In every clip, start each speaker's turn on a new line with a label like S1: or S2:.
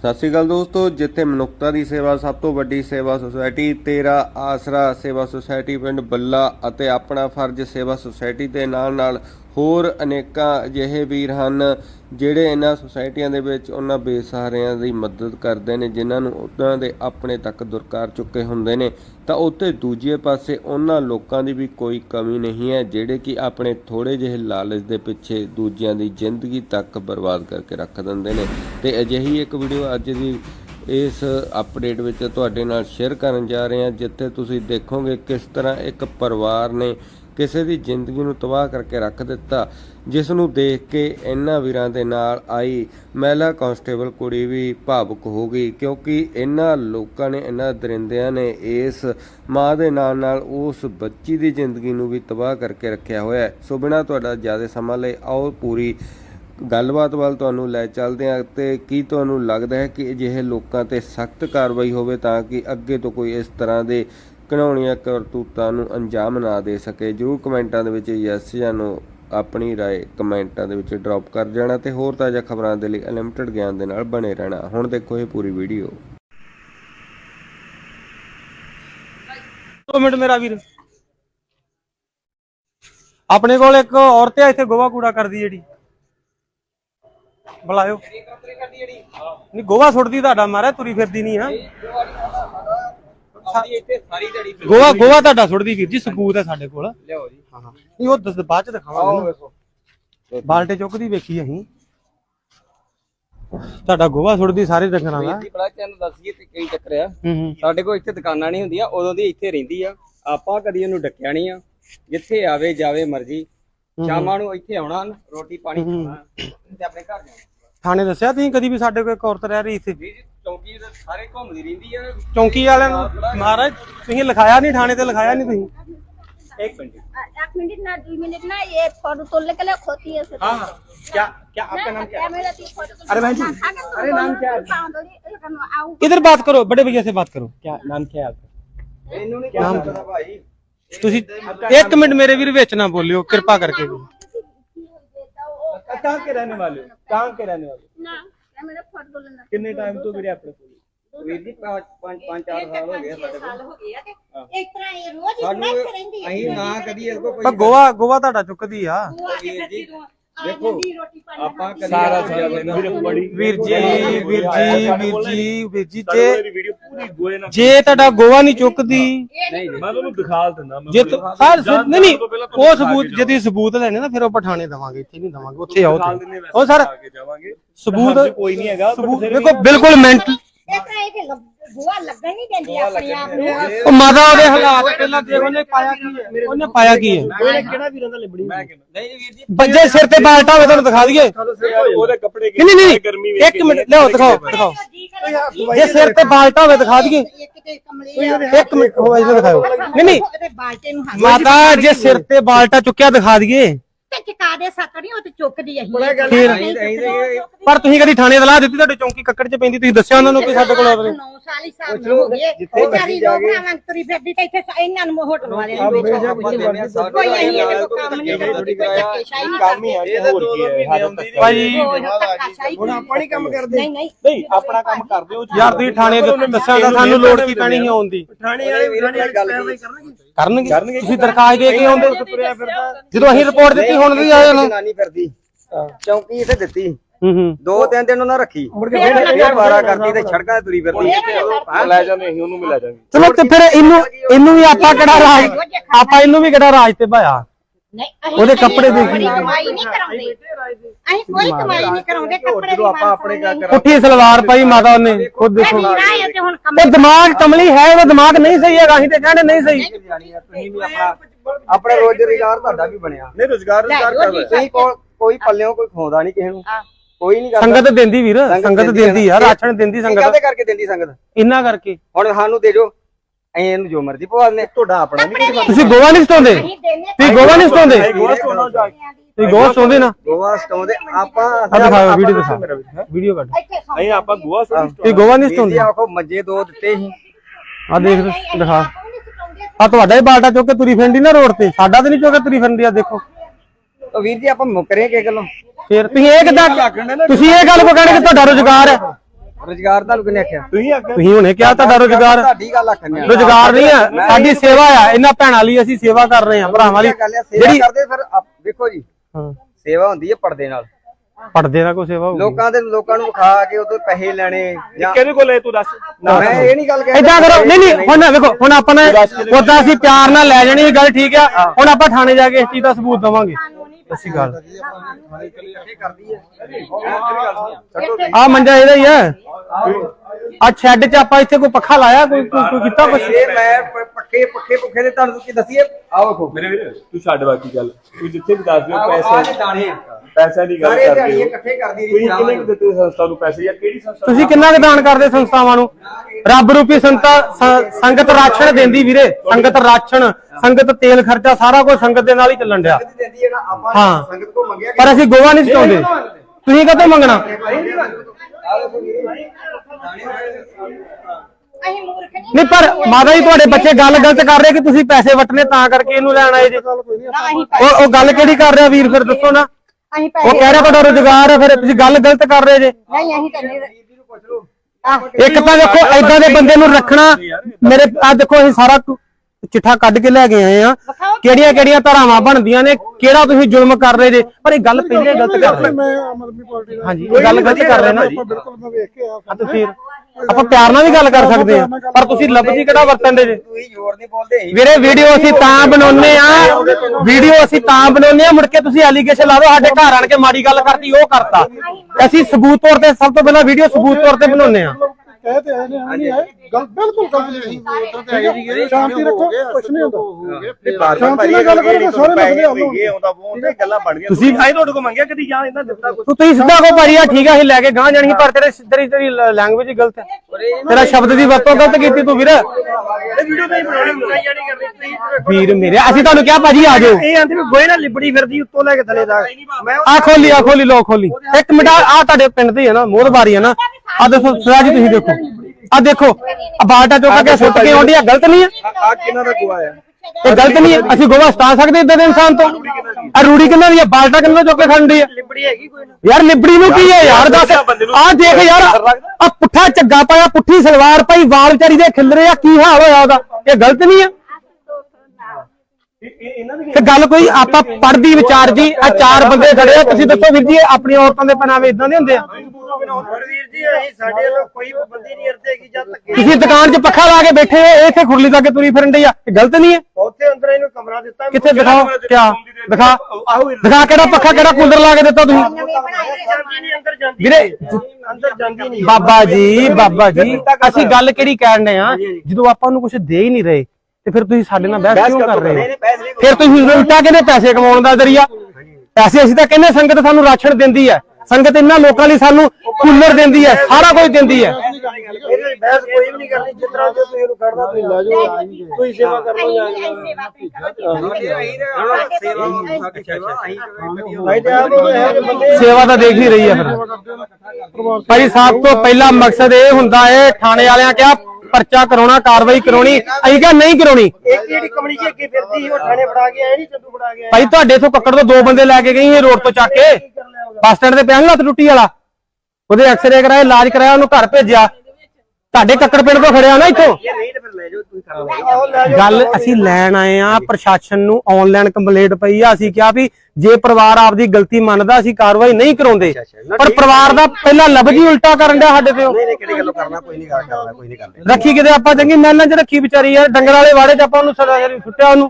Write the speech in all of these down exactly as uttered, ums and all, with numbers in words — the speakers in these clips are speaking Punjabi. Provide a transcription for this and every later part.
S1: सत श्री अकाल दोस्तों, जिथे मनुखता की सेवा सब तो वड्डी सेवा सोसायटी तेरा आसरा सेवा सोसायटी पिंड बल्ला ਅਤੇ अपना फर्ज सेवा सोसायटी के नाल नाल होर अनेकां अजिहे वीर हैं ਜਿਹੜੇ ਇਹਨਾਂ ਸੁਸਾਇਟੀਆਂ ਦੇ ਵਿੱਚ ਉਹਨਾਂ ਬੇਸਹਾਰਿਆਂ ਦੀ ਮਦਦ ਕਰਦੇ ਨੇ ਜਿਨ੍ਹਾਂ ਨੂੰ ਉਹਨਾਂ ਦੇ ਆਪਣੇ ਤੱਕ ਦੁਰਕਾਰ ਚੁੱਕੇ ਹੁੰਦੇ ਨੇ। ਤਾਂ ਉੱਥੇ ਦੂਜੇ ਪਾਸੇ ਉਹਨਾਂ ਲੋਕਾਂ ਦੀ ਵੀ ਕੋਈ ਕਮੀ ਨਹੀਂ ਹੈ ਜਿਹੜੇ ਕਿ ਆਪਣੇ ਥੋੜੇ ਜਿਹੇ ਲਾਲਚ ਦੇ ਪਿੱਛੇ ਦੂਜਿਆਂ ਦੀ ਜ਼ਿੰਦਗੀ ਤੱਕ ਬਰਬਾਦ ਕਰਕੇ ਰੱਖ ਦਿੰਦੇ ਨੇ। ਤੇ ਅਜਿਹੀ ਇੱਕ ਵੀਡੀਓ ਅੱਜ ਦੀ ਇਸ ਅਪਡੇਟ ਵਿੱਚ ਤੁਹਾਡੇ ਨਾਲ ਸ਼ੇਅਰ ਕਰਨ ਜਾ ਰਹੇ ਹਾਂ, ਜਿੱਥੇ ਤੁਸੀਂ ਦੇਖੋਗੇ ਕਿਸ ਤਰ੍ਹਾਂ ਇੱਕ ਪਰਿਵਾਰ ਨੇ ਕਿਸੇ ਦੀ ਜ਼ਿੰਦਗੀ ਨੂੰ ਤਬਾਹ ਕਰਕੇ ਰੱਖ ਦਿੱਤਾ, ਜਿਸ ਨੂੰ ਦੇਖ ਕੇ ਇਹਨਾਂ ਵੀਰਾਂ ਦੇ ਨਾਲ ਆਈ ਮਹਿਲਾ ਕਾਂਸਟੇਬਲ ਕੁੜੀ ਵੀ ਭਾਵੁਕ ਹੋ ਗਈ, ਕਿਉਂਕਿ ਇਹਨਾਂ ਲੋਕਾਂ ਨੇ ਇਹਨਾਂ ਦਰਿੰਦਿਆਂ ਨੇ ਇਸ ਮਾਂ ਦੇ ਨਾਲ ਨਾਲ ਉਸ ਬੱਚੀ ਦੀ ਜ਼ਿੰਦਗੀ ਨੂੰ ਵੀ ਤਬਾਹ ਕਰਕੇ ਰੱਖਿਆ ਹੋਇਆ ਹੈ। ਸੋ ਬਿਨਾਂ ਤੁਹਾਡਾ ਜ਼ਿਆਦਾ ਸਮਾਂ ਲਈ ਆਓ ਪੂਰੀ ਗੱਲਬਾਤ ਵੱਲ ਤੁਹਾਨੂੰ ਲੈ ਚੱਲਦੇ ਹਾਂ ਤੇ ਕੀ ਤੁਹਾਨੂੰ ਲੱਗਦਾ ਹੈ ਕਿ ਅਜਿਹੇ ਲੋਕਾਂ ਤੇ ਸਖਤ ਕਾਰਵਾਈ ਹੋਵੇ ਤਾਂ ਕਿ ਅੱਗੇ ਤੋਂ ਕੋਈ ਇਸ ਤਰ੍ਹਾਂ ਦੇ ਘਿਨਾਉਣੀਆਂ ਕਰਤੂਤਾਂ ਨੂੰ ਅੰਜਾਮ ਨਾ ਦੇ ਸਕੇ। ਜ਼ਰੂਰ ਕਮੈਂਟਾਂ ਦੇ ਵਿੱਚ ਯੈਸ ਜਾਂ ਨੋ ਆਪਣੀ ਰਾਏ ਕਮੈਂਟਾਂ ਦੇ ਵਿੱਚ ਡ੍ਰੌਪ ਕਰ ਜਾਣਾ ਤੇ ਹੋਰ ਤਾਜ਼ਾ ਖਬਰਾਂ ਦੇ ਲਈ ਅਨਲਿਮਟਿਡ ਗਿਆਨ ਦੇ ਨਾਲ ਬਣੇ ਰਹਿਣਾ। ਹੁਣ ਦੇਖੋ ਇਹ ਪੂਰੀ ਵੀਡੀਓ।
S2: दो मिनट मेरा वीर, अपने कोल एक औरत है इत्थे गोवा कूड़ा करदी जेड़ी, बुलायो नहीं गोवा सुटदी तुहाडा मारा तुरी फिरदी नहीं। हां गोवा गोवा तुहाडा सुटदी वीर जी, सबूत है साडे कोल। लियाओ जी। हां हां नहीं ओ दस बाद च दिखावांगे। देखो बाल्टे चुकदी वेखी अहीं ਤੁਹਾਡਾ ਗੋਵਾ ਸੁੱਟਦੀ ਸਾਰੇ ਡੰਗਰਾਂ ਦਾ ਜੀ। ਬੜਾ ਤੈਨੂੰ ਦੱਸੀਏ ਤੇ ਕਈ ਚੱਕਰ ਆ ਸਾਡੇ ਕੋਲ ਇੱਥੇ ਦੁਕਾਨਾਂ ਨਹੀਂ ਹੁੰਦੀਆਂ, ਉਦੋਂ ਦੀ ਇੱਥੇ ਰਹਿੰਦੀ ਆ। ਆਪਾਂ ਕਦੀ ਉਹਨੂੰ ਡੱਕਿਆ ਨਹੀਂ ਆ, ਜਿੱਥੇ ਆਵੇ ਜਾਵੇ ਮਰਜੀ ਸ਼ਾਮਾਂ ਨੂੰ ਇੱਥੇ ਆਉਣਾ, ਰੋਟੀ ਪਾਣੀ ਖਾਣਾ ਤੇ ਆਪਣੇ ਘਰ ਜਾਣਾ। ਥਾਣੇ ਦੱਸਿਆ ਤੁਸੀਂ ਕਦੀ ਵੀ ਸਾਡੇ ਕੋਲ ਇੱਕ ਔਰਤ ਰਹਿ ਰਹੀ ਇੱਥੇ? ਜੀ ਚੌਂਕੀ ਦੇ ਸਾਰੇ ਘੁੰਮਦੀ ਰਹਿੰਦੀ ਆ। ਚੌਂਕੀ ਵਾਲਿਆਂ ਨੂੰ ਮਹਾਰਾਜ ਤੁਸੀਂ ਲਿਖਾਇਆ ਨਹੀਂ, ਥਾਣੇ ਤੇ ਲਿਖਾਇਆ ਨਹੀਂ ਤੁਸੀਂ? एक मिनट
S3: एक मिनट ना दो मिनट ना ये फोटो तोड़ने के लिए खोती है।
S2: हाँ हाँ क्या क्या आपका नाम क्या है? अरे बहन जी, अरे नाम क्या है? इधर बात करो, बड़े भैया से बात करो। क्या नाम क्या है आपका? नाम पता भाई तुसी एक मिनट मेरे वीर विच ना बोलियो कृपा करके। कहां के रहने वाले हो? कहां के रहने वाले
S3: ना मेरा फोटो लेना
S2: कितने टाइम तो मेरे अपने को
S3: ਵੀਰ ਜੀ ਪੰਜ ਪੰਜ ਚਾਰ ਸਾਲ ਹੋ ਗਏ ਸਾਡੇ ਕੋਲ। ਇਸ ਤਰ੍ਹਾਂ ਇਹ ਰੋਜ਼ ਹੀ ਬਣਾ ਕੇ ਰਹਿੰਦੀ ਹੈ।
S2: ਅਸੀਂ ਨਾ ਕਦੀ ਇਸ ਕੋ ਕੋਈ ਗੋਵਾ ਗੋਵਾ ਤੁਹਾਡਾ ਚੁੱਕਦੀ ਆ।
S3: ਵੀਰ ਜੀ
S2: ਦੇਖੋ ਆਪਾਂ ਕਦੀ ਸਾਰਾ ਬੜੀ ਵੀਰ ਜੀ ਵੀਰ ਜੀ ਵੀਰ ਜੀ ਵੀਰ ਜੀ ਜੇ ਵੀਡੀਓ ਪੂਰੀ ਗੋਏ ਨਾਲ ਜੇ ਤੁਹਾਡਾ ਗੋਵਾ ਨਹੀਂ ਚੁੱਕਦੀ ਮੈਂ ਤੁਹਾਨੂੰ ਦਿਖਾ ਦਿੰਦਾ। ਜੇ ਸਰ ਨਹੀਂ ਨਹੀਂ ਉਹ ਸਬੂਤ ਜੇ ਤੁਸੀਂ ਸਬੂਤ ਲੈਣੇ ਨਾ ਫਿਰ ਉਹ ਪਠਾਣੇ ਦਵਾਂਗੇ, ਇੱਥੇ ਨਹੀਂ ਦਵਾਂਗੇ, ਉੱਥੇ ਆਓ ਉਹ ਸਰ ਸਬੂਤ ਕੋਈ ਨਹੀਂ ਹੈਗਾ। ਦੇਖੋ ਬਿਲਕੁਲ ਮਿੰਟ
S3: ਬੁਆ ਲੱਗਣ ਨਹੀਂ ਦਿੰਦੀ ਆਪਣੇ ਆਪ ਨੂੰ।
S2: ਉਹ ਮਾਤਾ ਉਹਦੇ ਹਾਲਾਤ ਪਹਿਲਾਂ ਦੇਖ, ਉਹਨੇ ਪਾਇਆ ਕੀ ਹੈ? ਉਹਨੇ ਪਾਇਆ ਕੀ ਹੈ? ਕਿਹੜਾ ਵੀਰਾਂ ਦਾ ਲਿਬੜੀ ਮੈਂ ਕਹਿੰਦਾ ਨਹੀਂ ਵੀਰ ਜੀ, ਬੱਜੇ ਸਿਰ ਤੇ ਬਾਲਟਾ ਹੋਵੇ ਤੁਹਾਨੂੰ ਦਿਖਾ ਦਈਏ ਉਹਦੇ ਕੱਪੜੇ। ਨਹੀਂ ਨਹੀਂ ਗਰਮੀ ਇੱਕ ਮਿੰਟ ਲਿਆਓ ਦਿਖਾਓ ਦਿਖਾਓ, ਜੇ ਸਿਰ ਤੇ ਬਾਲਟਾ ਹੋਵੇ ਦਿਖਾ ਦਈਏ। ਇੱਕ ਮਿੰਟ ਹੋ ਇਹਨੂੰ ਦਿਖਾਓ। ਨਹੀਂ ਨਹੀਂ ਮਾਤਾ ਜੇ ਸਿਰ ਤੇ ਬਾਲਟਾ ਚੁੱਕਿਆ ਦਿਖਾ ਦਈਏ
S3: ਚਕਾ ਦੇ ਸਕਣੀ, ਉਹ ਤੇ ਚੁੱਕਦੀ ਅਹੀਂ।
S2: ਪਰ ਤੁਸੀਂ ਕਦੀ ਥਾਣੇ ਦਲਾ ਦਿੱਤੀ? ਤੁਹਾਡੇ ਚੌਂਕੀ ਕੱਕੜ ਚ ਪੈਂਦੀ, ਤੁਸੀਂ ਦੱਸਿਆ ਉਹਨਾਂ ਨੂੰ ਕਿ ਸਾਡੇ ਕੋਲ ਆਵੇ?
S3: ਨੌ ਸਾਲ ਹੀ ਸਾਲ ਹੋ ਗਏ ਵਿਚਾਰੀ ਲੋਕਾਂ ਵਾਂਗ ਤੁਰੀ ਫਿਰਦੀ ਤੇ ਇੱਥੇ ਇਹਨਾਂ ਨੂੰ ਹੋਟਲ ਵਾਲੇ ਨੂੰ ਵੇਚੋ ਕੋਈ ਨਹੀਂ ਇਹਦੇ ਕੋ ਕੰਮ ਨਹੀਂ ਕਰਦੀ, ਕੋਈ ਧੱਕੇਸ਼ਾਹੀ ਨਹੀਂ
S2: ਕੰਮ ਹੀ ਆ ਹੋਰ ਕੀ ਹੈ ਭਾਈ। ਹੁਣ ਆਪਾਂ ਨਹੀਂ ਕੰਮ ਕਰਦੇ?
S3: ਨਹੀਂ ਨਹੀਂ
S2: ਨਹੀਂ ਆਪਣਾ ਕੰਮ ਕਰਦੇ ਹੋ ਯਾਰ। ਤੁਸੀਂ ਥਾਣੇ ਦੇ ਦੱਸਿਆ ਤਾਂ ਸਾਨੂੰ ਲੋੜ ਕੀ ਪੈਣੀ ਸੀ ਆਉਣ ਦੀ? ਥਾਣੇ ਵਾਲੇ ਗੱਲ ਕਰਨਗੇ, ਤੁਸੀਂ ਦਰਖਾਸਤ ਦੇ ਕੇ ਆਉਂਦੇ ਜਦੋਂ ਅਸੀਂ ਰਿਪੋਰਟ ਦਿੱਤੀ ਹੁਣ ਵੀ ਆਏ ਨਾ
S4: ਜਨਾਨੀ ਫਿਰਦੀ ਚੌਂਕੀ ਇੱਥੇ ਦਿੱਤੀ,
S2: ਹੂੰ ਹੂੰ
S4: ਦੋ ਤਿੰਨ ਦਿਨ ਉਹਨਾਂ ਰੱਖੀ, ਫੇਰ ਵਾਰਾ ਕਰਦੀ ਤੇ ਸੜਕਾਂ ਤੇ ਤੁਰੀ ਫਿਰਦੀ।
S2: ਲੈ ਜਾਂਦੇ ਅਸੀਂ ਉਹਨੂੰ ਵੀ ਲੈ ਜਾਵਾਂਗੇ। ਚਲੋ ਤੇ ਫਿਰ ਇਹਨੂੰ ਇਹਨੂੰ ਵੀ ਆਪਾਂ ਕਿਹੜਾ ਰਾਜ ਆਪਾਂ ਇਹਨੂੰ ਵੀ ਕਿਹੜਾ ਰਾਜ ਤੇ ਭਾਇਆ?
S3: ਨਹੀਂ
S2: ਉਹਦੇ ਕੱਪੜੇ ਦੇਖੀ
S3: ਕਮਾਈ ਨਹੀਂ ਕਰਾਉਂਦੇ, ਅਸੀਂ ਕੋਈ ਕਮਾਈ ਨਹੀਂ ਕਰਾਉਂਦੇ। ਕੱਪੜੇ ਦੀ
S4: ਆਪਾਂ ਆਪਣੇ ਕਿਆ ਕਰ
S2: ਪੁੱਠੀ ਸਲਵਾਰ ਪਾਈ ਮਾਤਾ ਉਹਨੇ, ਖੁਦ ਦੇਖੋ। ਉਹ ਦਿਮਾਗ ਕਮਲੀ ਹੈ, ਉਹਦਾ ਦਿਮਾਗ ਨਹੀਂ ਸਹੀ ਹੈਗਾ, ਅਸੀਂ ਤੇ ਕਹਿੰਦੇ ਨਹੀਂ ਸਹੀ।
S4: ਤੁਸੀਂ ਵੀ ਆਪਣਾ ਆਪਣਾ ਰੋਜ਼ਗਾਰ ਤੁਹਾਡਾ ਵੀ ਬਣਿਆ
S2: ਨਹੀਂ, ਰੋਜ਼ਗਾਰ ਰੋਜ਼ਗਾਰ ਕਰ
S4: ਤੁਸੀਂ ਕੋਈ ਪੱਲਿਓਂ ਕੋਈ ਖਵਾਉਂਦਾ ਨਹੀਂ ਕਿਸੇ ਨੂੰ, ਕੋਈ ਨਹੀਂ ਕਰਦਾ।
S2: ਸੰਗਤ ਦਿੰਦੀ ਵੀਰ, ਸੰਗਤ ਦਿੰਦੀ ਆ, ਰਾਸ਼ਨ ਦਿੰਦੀ ਸੰਗਤ।
S4: ਕਾਹਦੇ ਕਰਕੇ ਦਿੰਦੀ ਸੰਗਤ?
S2: ਇੰਨਾ ਕਰਕੇ
S4: ਹੁਣ ਸਾਨੂੰ ਦੇ ਜੋ, ਅਸੀਂ ਇਹਨੂੰ ਜੋ ਮਰਜ਼ੀ ਪਵਾ ਦਿੰਦੇ। ਤੁਹਾਡਾ ਆਪਣਾ ਨਹੀਂ,
S2: ਤੁਸੀਂ ਗੋਵਾ ਨਹੀਂ ਸਟਾਉਂਦੇ? ਤੁਸੀਂ ਗੋਵਾ ਨਹੀਂ ਸਟਾਉਂਦੇ? ਤੁਸੀਂ ਗੋਵਾ ਸਟਾਉਂਦੇ ਨਾ?
S4: ਗੋਵਾ ਸਟਾਉਂਦੇ ਆਪਾਂ।
S2: ਆ ਦਿਖਾਓ ਵੀਡੀਓ, ਦਿਖਾਓ ਵੀਡੀਓ ਕੱਢ।
S4: ਨਹੀਂ ਆਪਾਂ ਗੋਵਾ ਸਟਾਉਂਦੇ।
S2: ਤੁਸੀਂ ਗੋਵਾ ਨਹੀਂ ਸਟਾਉਂਦੇ?
S4: ਆਖੋ ਮੱਜੇ ਦੋ ਦਿੱਤੇ ਸੀ।
S2: ਆ ਦੇਖ ਦਿਖਾ, ਆ ਤੁਹਾਡਾ ਹੀ ਬਾਲਟਾ ਚੁੱਕ ਕੇ ਤੁਰੀ ਫਿਰਦੀ ਨਾ ਰੋਡ ਤੇ, ਸਾਡਾ ਤੇ ਨਹੀਂ ਚੁੱਕ ਕੇ ਤੁਰੀ ਫਿਰਦੀ। ਆ ਦੇਖੋ
S4: ਵੀਰ ਜੀ ਆਪਾਂ ਮੁੱਕਰੇ ਕਿਸ ਗੱਲੋਂ?
S2: ਫਿਰ ਤੁਸੀਂ ਇਹ ਕਿਦਾਂ ਤੁਸੀਂ ਇਹ ਗੱਲ ਕੋ ਕਹਿਣਗੇ ਤੁਹਾਡਾ ਰੋਜ਼ਗਾਰ ਹੈ? ਰੁਜ਼ਗਾਰ ਤੁਹਾਨੂੰ ਕਿਹਨੇ ਆਖਿਆ?
S4: ਤੁਸੀਂ ਆਖਿਆ
S5: ਤੁਸੀਂ ਹੁਣੇ ਕਿਹਾ ਤੁਹਾਡਾ ਰੁਜ਼ਗਾਰ
S2: ਤੁਹਾਡੀ ਗੱਲ ਆਖਣ ਡਿਆ।
S5: ਰੁਜ਼ਗਾਰ ਨਹੀਂ ਹੈ, ਸਾਡੀ ਸੇਵਾ ਆ। ਇਹਨਾਂ ਭੈਣਾਂ ਲਈ ਅਸੀਂ ਸੇਵਾ ਕਰ ਰਹੇ ਹਾਂ, ਭਰਾਵਾਂ ਲਈ।
S2: ਜਿਹੜੀ ਕਰਦੇ ਫਿਰ ਆਪ- ਵੇਖੋ ਜੀ,
S5: ਹਾਂ,
S2: ਸੇਵਾ ਹੁੰਦੀ ਹੈ ਪਰਦੇ ਨਾਲ।
S5: ਪੜਦੇ ਨਾਲ ਕੋਈ ਸੇਵਾ ਹੋਊਗੀ।
S2: ਲੋਕਾਂ ਦੇ ਲੋਕਾਂ ਨੂੰ ਵਿਖਾ ਕੇ ਉਦੋਂ ਪੈਸੇ ਲੈਣੇ ਜਾਂ
S4: ਕਿਹਦੇ ਕੋਲ ਹੈ ਤੂੰ ਦੱਸ?
S2: ਮੈਂ ਇਹ ਨਹੀਂ ਗੱਲ
S5: ਏਦਾਂ ਕਰੋ, ਨਹੀਂ ਨਹੀਂ ਹੁਣ ਵੇਖੋ, ਹੁਣ ਆਪਾਂ ਨੇ ਉਦਾਂ ਅਸੀਂ ਪਿਆਰ ਨਾਲ ਲੈ ਜਾਣੀ ਇਹ ਗੱਲ, ਠੀਕ ਆ। ਹੁਣ ਆਪਾਂ ਥਾਣੇ ਜਾ ਕੇ ਇਸ ਚੀਜ਼ ਦਾ ਸਬੂਤ ਦਵਾਂਗੇ। ਅੱਛੀ ਗੱਲ, ਆ ਮੰਜਾ ਇਹਦਾ ਹੀ ਹੈ। ਆ ਸ਼ੈੱਡ 'ਚ ਆਪਾਂ ਇੱਥੇ ਕੋਈ ਪੱਖਾ ਲਾਇਆ, ਕੋਈ ਕੋਈ ਕੀਤਾ ਕੁਛ?
S2: ਇਹ ਮੈਂ ਪ- ਪੱਕੇ ਪੱਕੇ ਪੁੱਖੇ ਦੇ ਤੁਹਾਨੂੰ ਕੀ ਦਸੀਏ? ਆਹ ਵੇਖੋ
S4: ਮੇਰੇ ਵੀਰ ਤੂੰ ਛੱਡ ਬਾਕੀ ਗੱਲ, ਤੂੰ ਜਿੱਥੇ ਵੀ ਦੱਸ ਦਿਓ
S2: ਆਹ
S4: ਪੈਸੇ
S2: ਦਾਣੇ ਆ।
S4: ਪੈਸਿਆਂ ਦੀ ਗੱਲ
S2: ਸਾਰੇ
S4: ਕਰਦੇ
S2: ਦਿਹਾੜੀਏ
S4: ਹੋ।
S2: ਇਕੱਠੇ ਕਰਦੀ
S4: ਤੁਸੀਂ
S2: ਰਹੀ
S4: ਕਿੰਨੇ ਕੁ ਦਿੱਤੇ ਸੰਸਥਾ ਨੂੰ ਪੈਸੇ, ਜਾਂ ਕਿਹੜੀ ਸੰਸਥਾ?
S5: ਤੁਸੀਂ ਕਿੰਨਾ ਕੁ ਦਾਨ ਕਰਦੇ ਸੰਸਥਾਵਾਂ ਨੂੰ? ਰੱਬ ਰੂਪੀ ਸੰਤਾ ਸ- ਸੰਗਤ ਰਾਸ਼ਨ ਦਿੰਦੀ ਵੀਰੇ, ਸੰਗਤ ਰਾਸ਼ਨ, ਸੰਗਤ ਤੇਲ ਖਰਚਾ, ਸਾਰਾ ਕੁਝ ਸੰਗਤ ਦੇ ਨਾਲ ਹੀ ਚੱਲਣ ਡਿਆ।
S2: ਦਿੰਦੀ ਹੈ ਨਾ, ਆਪਾਂ
S5: ਹਾਂ।
S2: ਸੰਗਤ ਕੋ ਮੰਗਿਆ
S5: ਪਰ ਅਸੀਂ ਗੋਵਾ ਨਹੀਂ ਚੁਕਾਉਂਦੇ। ਤੁਸੀਂ ਕਦੋਂ ਮੰਗਣਾ?
S3: ਅਸੀਂ ਮੂਰਖ ਨਹੀਂ।
S5: ਨਹੀਂ ਪਰ ਮਾਤਾ ਜੀ ਤੁਹਾਡੇ ਬੱਚੇ ਗੱਲ ਗਲਤ ਕਰ ਰਹੇ ਕਿ ਤੁਸੀਂ ਪੈਸੇ ਵਟਨੇ ਤਾਂ ਕਰਕੇ ਇਹਨੂੰ ਲੈਣ ਆਏ ਜੇ।
S3: ਨਾ ਅਸੀਂ
S5: ਉਹ ਉਹ ਗੱਲ ਕਿਹੜੀ ਕਰ ਰਿਹਾ ਵੀਰ, ਫਿਰ ਦੱਸੋ ਨਾ।
S3: ਅਸੀਂ
S5: ਉਹ
S3: ਪੈਸੇ
S5: ਕਹਿ ਰਿਹਾ ਤੁਹਾਡਾ ਰੁਜ਼ਗਾਰ ਹੈ, ਫਿਰ ਤੁਸੀਂ ਗੱਲ ਗਲਤ ਕਰ ਰਹੇ ਜੇ।
S3: ਨਹੀਂ, ਅਸੀਂ ਤਾਂ ਨਹੀਂ।
S5: ਇੱਕ ਤਾਂ ਦੇਖੋ ਏਦਾਂ ਦੇ ਬੰਦੇ ਨੂੰ ਰੱਖਣਾ, ਮੇਰੇ ਆ ਦੇਖੋ ਅਸੀਂ ਸਾਰਾ ਕੁ- ਚਿੱਠਾ ਕੱਢ ਕੇ ਲੈ ਕੇ ਆਏ ਆ, ਕਿਹੜੀਆਂ ਕਿਹੜੀਆਂ ਧਾਰਾਵਾਂ ਬਣਦੀਆਂ ਨੇ, ਕਿਹੜਾ ਤੁਸੀਂ ਜ਼ੁਲਮ ਕਰ ਰਹੇ ਜੇ। ਪਰ ਇਹ ਗੱਲ ਪਹਿਲੇ ਗਲਤ ਕਰ ਰਹੇ।
S6: ਮੈਂ ਆਮ ਆਦਮੀ ਪਾਰਟੀ ਦਾ
S5: ਹਾਂਜੀ, ਇਹ ਗੱਲ ਗਲਤ ਕਰ ਰਹੇ ਨਾ।
S6: ਬਿਲਕੁਲ ਮੈਂ ਵੇਖ ਕੇ ਆ
S5: ਆ ਤੇ ਫਿਰ ਆਪਾਂ ਪਿਆਰ ਨਾਲ ਵੀ ਗੱਲ ਕਰ ਸਕਦੇ ਆ, ਪਰ ਤੁਸੀਂ ਲਫ਼ਜ਼ ਹੀ ਕਿਹੜਾ ਵਰਤਣ ਦੇ ਜੇ।
S2: ਤੁਸੀਂ ਜ਼ੋਰ ਨਹੀਂ ਬੋਲਦੇ।
S5: ਵੀਰੇ ਵੀਡੀਓ ਅਸੀਂ ਤਾਂ ਬਣਾਉਨੇ ਆ, ਵੀਡੀਓ ਅਸੀਂ ਤਾਂ ਬਣਾਉਨੇ ਆ, ਮੁੜ ਕੇ ਤੁਸੀਂ ਐਲੀਗੇਸ਼ਨ ਲਾ ਦਿਓ ਸਾਡੇ ਘਰ ਆਣ ਕੇ ਮਾੜੀ ਗੱਲ ਕਰਤੀ, ਉਹ ਕਰਤਾ। ਅਸੀਂ ਸਬੂਤ ਤੌਰ ਤੇ, ਸਭ ਤੋਂ ਪਹਿਲਾਂ ਵੀਡੀਓ ਸਬੂਤ ਤੌਰ ਤੇ ਬਣਾਉਨੇ ਆ।
S6: ਕਹਿ ਤੇ ਆਏ ਨੇ ਹਾਂ ਨਹੀਂ ਆਏ ਗੱਲ ਬਿਲਕੁਲ ਗਲਤ ਨਹੀਂ। ਸ਼ਾਂਤੀ ਰੱਖੋ, ਕੁਛ ਨਹੀਂ ਹੁੰਦਾ। ਸ਼ਾਂਤੀ ਨਾਲ ਗੱਲ ਕਰੋ, ਸਾਰੇ ਮਸਲੇ ਹੱਲ ਹੋਣਗੇ।
S4: ਆਉਂਦਾ ਬੋਲਦੇ ਗੱਲਾਂ ਬਣ ਗਈਆਂ।
S5: ਤੁਸੀਂ
S4: ਅਸੀਂ ਤੁਹਾਡੇ ਕੋਲ ਮੰਗਿਆ ਕਦੀ, ਜਾਂ ਇਹਨਾਂ ਦਿੱਤਾ ਕੁਝ?
S5: ਤੁਸੀਂ ਸਿੱਧਾ ਕੋ ਭਾਜੀ ਆ ਠੀਕ ਆ, ਅਸੀਂ ਲੈ ਕੇ ਗਾਂ ਜਾਣੀ ਸੀ, ਪਰ ਤੇਰੇ ਤੇਰੀ ਤੇਰੀ ਲੈਂਗੁਏਜ ਹੀ ਗਲਤ ਹੈ। ਤੇਰਾ ਸ਼ਬਦ ਦੀ ਵਰਤੋਂ ਗਲਤ ਕੀਤੀ ਤੂੰ ਵੀਰ।
S4: ਇਹ ਵੀਡੀਓ ਤਾਂ ਹੀ ਬਣਾਉਣੀ, ਮੁਕਾਈ ਜਾਣੀ ਕਰਨੀ ਤੁਸੀਂ।
S5: ਵੀਰ ਮੇਰੇ, ਅਸੀਂ ਤੁਹਾਨੂੰ ਕਿਹਾ ਭਾਜੀ ਆ ਜਾਓ।
S4: ਇਹ ਆਂਦੀ ਵੀ ਗੋਏ ਨਾਲ ਲਿਬੜੀ ਫਿਰਦੀ ਉੱਤੋਂ ਲੈ ਕੇ ਥੱਲੇ ਤੱਕ। ਮੈਂ
S5: ਆ ਖੋਲੀ, ਆ ਖੋਲੀ, ਲੋ ਖੋਲੀ। ਇੱਕ ਮਿੰਟ, ਆ ਤੁਹਾਡੇ ਪਿੰਡ ਦੀ ਹੈ ਨਾ, ਮੋਹਰਬਾਰੀ ਹੈ ਨਾ। ਆ ਦੇਖੋ ਸਰਾ ਜੀ, ਤੁਸੀਂ ਦੇਖੋ, ਆ ਦੇਖੋ, ਆ ਬਾਲਟਾ ਚੋਕਾ ਕੇ ਸੁੱਟ ਕੇ ਆਉਂਦੀ ਆ, ਗਲਤ ਨਹੀਂ ਹੈ?
S4: ਆ ਕਿਹਨਾਂ ਦਾ ਗੋਆ ਆ?
S5: ਇਹ ਗਲਤ ਨਹੀਂ ਹੈ? ਅਸੀਂ ਗੋਵਾ ਸਟਾ ਸਕਦੇ ਇਦਾਂ ਦੇ ਇਨਸਾਨ ਤੋਂ? ਆ ਰੂੜੀ ਕਿੰਨਾ ਦੀ ਆ, ਬਾਲਟਾ ਕਿੰਨਾ ਚੁੱਕ ਕੇ ਖੰਡੀ ਆ?
S4: ਲਿਬੜੀ ਹੈਗੀ ਕੋਈ ਨਾ?
S5: ਯਾਰ ਲਿਬੜੀ ਨੂੰ ਕੀ ਹੈ ਯਾਰ, ਦੱਸ। ਆ ਦੇਖ ਯਾਰ, ਆ ਪੁੱਠਾ ਝੱਗਾ ਪਾਇਆ, ਪੁੱਠੀ ਸਲਵਾਰ ਪਾਈ, ਵਾਲ ਵਿਚਾਰੀ ਦੇ ਖਿਲਰੇ ਆ, ਕੀ ਹਾਲ ਹੋਇਆ ਉਹਦਾ? ਇਹ ਗਲਤ ਨਹੀਂ ਹੈ? ਤੇ ਗੱਲ ਕੋਈ ਆਪਾਂ ਪੜਦੀ ਵਿਚਾਰ ਜੀ, ਆ ਚਾਰ ਬੰਦੇ ਖੜੇ ਆ, ਤੁਸੀਂ ਦੱਸੋ ਵੀਰ ਜੀ, ਆਪਣੀਆਂ ਔਰਤਾਂ ਦੇ ਪਹਿਨਾਵੇ ਇਦਾਂ ਦੇ ਹੁੰਦੇ ਆ?
S4: ਵੀਰ ਜੀ ਅਸੀਂ ਸਾਡੇ ਵੱਲੋਂ ਕੋਈ ਪਾਬੰਦੀ ਨਹੀਂ ਅਰਤੇਗੀ ਜਾਂ ਧੱਕੇ।
S5: ਤੁਸੀਂ ਦੁਕਾਨ 'ਚ ਪੱਖਾ ਲਾ ਕੇ ਬੈਠੇ ਹੋ, ਇੱਥੇ ਖੁਰਲੀ ਲਾ ਕੇ ਤੁਰੀ ਫਿਰਨ ਡਈ ਆ, ਇਹ ਗਲਤ ਨਹੀਂ ਹੈ?
S4: ਉੱਥੇ ਅੰਦਰ ਇਹਨੂੰ ਕਮਰਾ ਦਿੱਤਾ।
S5: ਕਿੱਥੇ ਦਿਖਾਓ, ਕਿਆ ਦਿਖਾ, ਦਿਖਾ ਕਿਹੜਾ ਪੱਖਾ, ਕਿਹੜਾ ਕੂਲਰ ਲਾ ਕੇ ਦਿੱਤਾ ਤੁਸੀਂ?
S4: ਜਾਂਦੀ ਨਹੀਂ ਅੰਦਰ, ਜਾਂਦੀ
S5: ਵੀਰੇ
S4: ਅੰਦਰ ਜਾਂਦੀ ਨਹੀਂ।
S5: ਬਾਬਾ ਜੀ, ਬਾਬਾ ਜੀ, ਅਸੀਂ ਗੱਲ ਕਿਹੜੀ ਕਰਨੇ ਆ, ਜਦੋਂ ਆਪਾਂ ਨੂੰ ਕੁਝ ਦੇ ਹੀ ਨਹੀਂ ਰਹੇ ਤੇ ਫਿਰ ਤੁਸੀਂ ਸਾਡੇ ਨਾਲ ਬਹਿਸ ਕਿਉਂ ਕਰ ਰਹੇ ਹੋ? ਫਿਰ ਤੁਸੀਂ ਉਲਟਾ ਕਹਿੰਦੇ ਪੈਸੇ ਕਮਾਉਣ ਦਾ ਜ਼ਰੀਆ। ਪੈਸੇ ਅਸੀਂ ਤਾਂ ਕਹਿੰਦੇ ਸੰਗਤ ਸਾਨੂੰ ਰਾਸ਼ਨ ਦਿੰਦੀ ਹੈ, ਸੰਗਤ ਇਹਨਾਂ ਲੋਕਾਂ ਲਈ ਸਾਨੂੰ ਕੂਲਰ ਦਿੰਦੀ ਹੈ, ਸਾਰਾ ਕੁਝ ਦਿੰਦੀ ਹੈ।
S4: ਇਹਦੀ ਬਹਿਸ ਕੋਈ ਵੀ ਨਹੀਂ ਕਰਨੀ, ਜਿਸ ਤਰ੍ਹਾਂ ਜੋ ਤੁਸੀਂ ਇਹਨੂੰ ਕੱਢਦਾ ਤੁਸੀਂ ਲੈ ਜਾਓ, ਤੁਸੀਂ ਸੇਵਾ ਕਰ ਲਓ ਜਾਂ
S5: ਸੇਵਾ ਤਾਂ ਦੇਖ ਹੀ ਰਹੀ ਹੈ। ਫਿਰ ਭਾਈ ਸਭ ਤੋਂ ਪਹਿਲਾ ਮਕਸਦ ਇਹ ਹੁੰਦਾ ਹੈ, ਥਾਣੇ ਵਾਲਿਆਂ ਕਿਹਾ ਪਰਚਾ ਕਰਾਉਣਾ, ਕਾਰਵਾਈ ਕਰਾਉਣੀ, ਅਸੀਂ ਕਿਹਾ ਨਹੀਂ ਕਰਾਉਣੀ।
S4: ਇੱਕ ਜਿਹੜੀ ਕਮਣੀ ਚ ਅੱਗੇ ਫਿਰਦੀ ਸੀ ਉਹ ਥਾਣੇ ਫੜਾ ਗਿਆ, ਇਹ ਨਹੀਂ ਚੱਦੂ ਫੜਾ ਗਿਆ।
S5: ਭਾਈ ਤੁਹਾਡੇ ਇਥੋਂ ਕੱਕੜ ਤੋਂ ਦੋ ਬੰਦੇ ਲੈ ਕੇ ਗਈ ਇਹ ਰੋਡ ਤੋਂ ਚੱਕ ਕੇ, ਬੱਸ ਸਟੈਂਡ ਤੇ ਪਿਆ ਸੀ ਲੱਤ ਟੁੱਟੀ ਵਾਲਾ, ਉਹਦੇ ਐਕਸਰੇ ਕਰਾਏ, ਇਲਾਜ ਕਰਾਇਆ, ਉਹਨੂੰ ਘਰ ਭੇਜਿਆ। ਤੁਹਾਡੇ ਕੱਕੜ ਪਿੰਡ ਤੋਂ ਖੜਿਆ ਨਾ ਇੱਥੋਂ।
S4: ਨਹੀਂ ਤੇ ਫਿਰ ਲੈ ਜਾਓ, ਤੁਸੀਂ ਕਰ ਲਓ।
S5: ਗੱਲ ਅਸੀਂ ਲੈਣ ਆਏ ਆ, ਪ੍ਰਸ਼ਾਸਨ ਨੂੰ ਆਨਲਾਈਨ ਕੰਪਲੇਂਟ ਪਈ ਆ, ਅਸੀਂ ਕਿਹਾ ਵੀ ਜੇ ਪਰਿਵਾਰ ਆਪਦੀ ਗਲਤੀ ਮੰਨਦਾ ਅਸੀਂ ਕਾਰਵਾਈ ਨਹੀਂ ਕਰਾਉਂਦੇ, ਪਰ ਪਰਿਵਾਰ ਦਾ ਪਹਿਲਾ ਲਫ਼ਜ਼ ਹੀ ਉਲਟਾ ਕਰਨ ਡਿਆ ਸਾਡੇ ਤੇ।
S4: ਨਹੀਂ ਨਹੀਂ ਕਿਹੜੀ ਗੱਲੋਂ ਕਰਨਾ, ਕੋਈ ਨਹੀਂ ਗੱਲ ਕਰਨਾ, ਕੋਈ ਨਹੀਂ ਕਰਦੇ।
S5: ਰੱਖੀ ਕਿਤੇ ਆਪਾਂ ਚੰਗੀ ਮਹਿਲਾਂ 'ਚ ਰੱਖੀ ਵਿਚਾਰੀ ਯਾਰ, ਡੰਗਰ ਵਾਲੇ ਵਾੜੇ 'ਚ ਆਪਾਂ ਉਹਨੂੰ ਸਰਾਸਰੀ ਸੁੱਟਿਆ ਉਹਨੂੰ।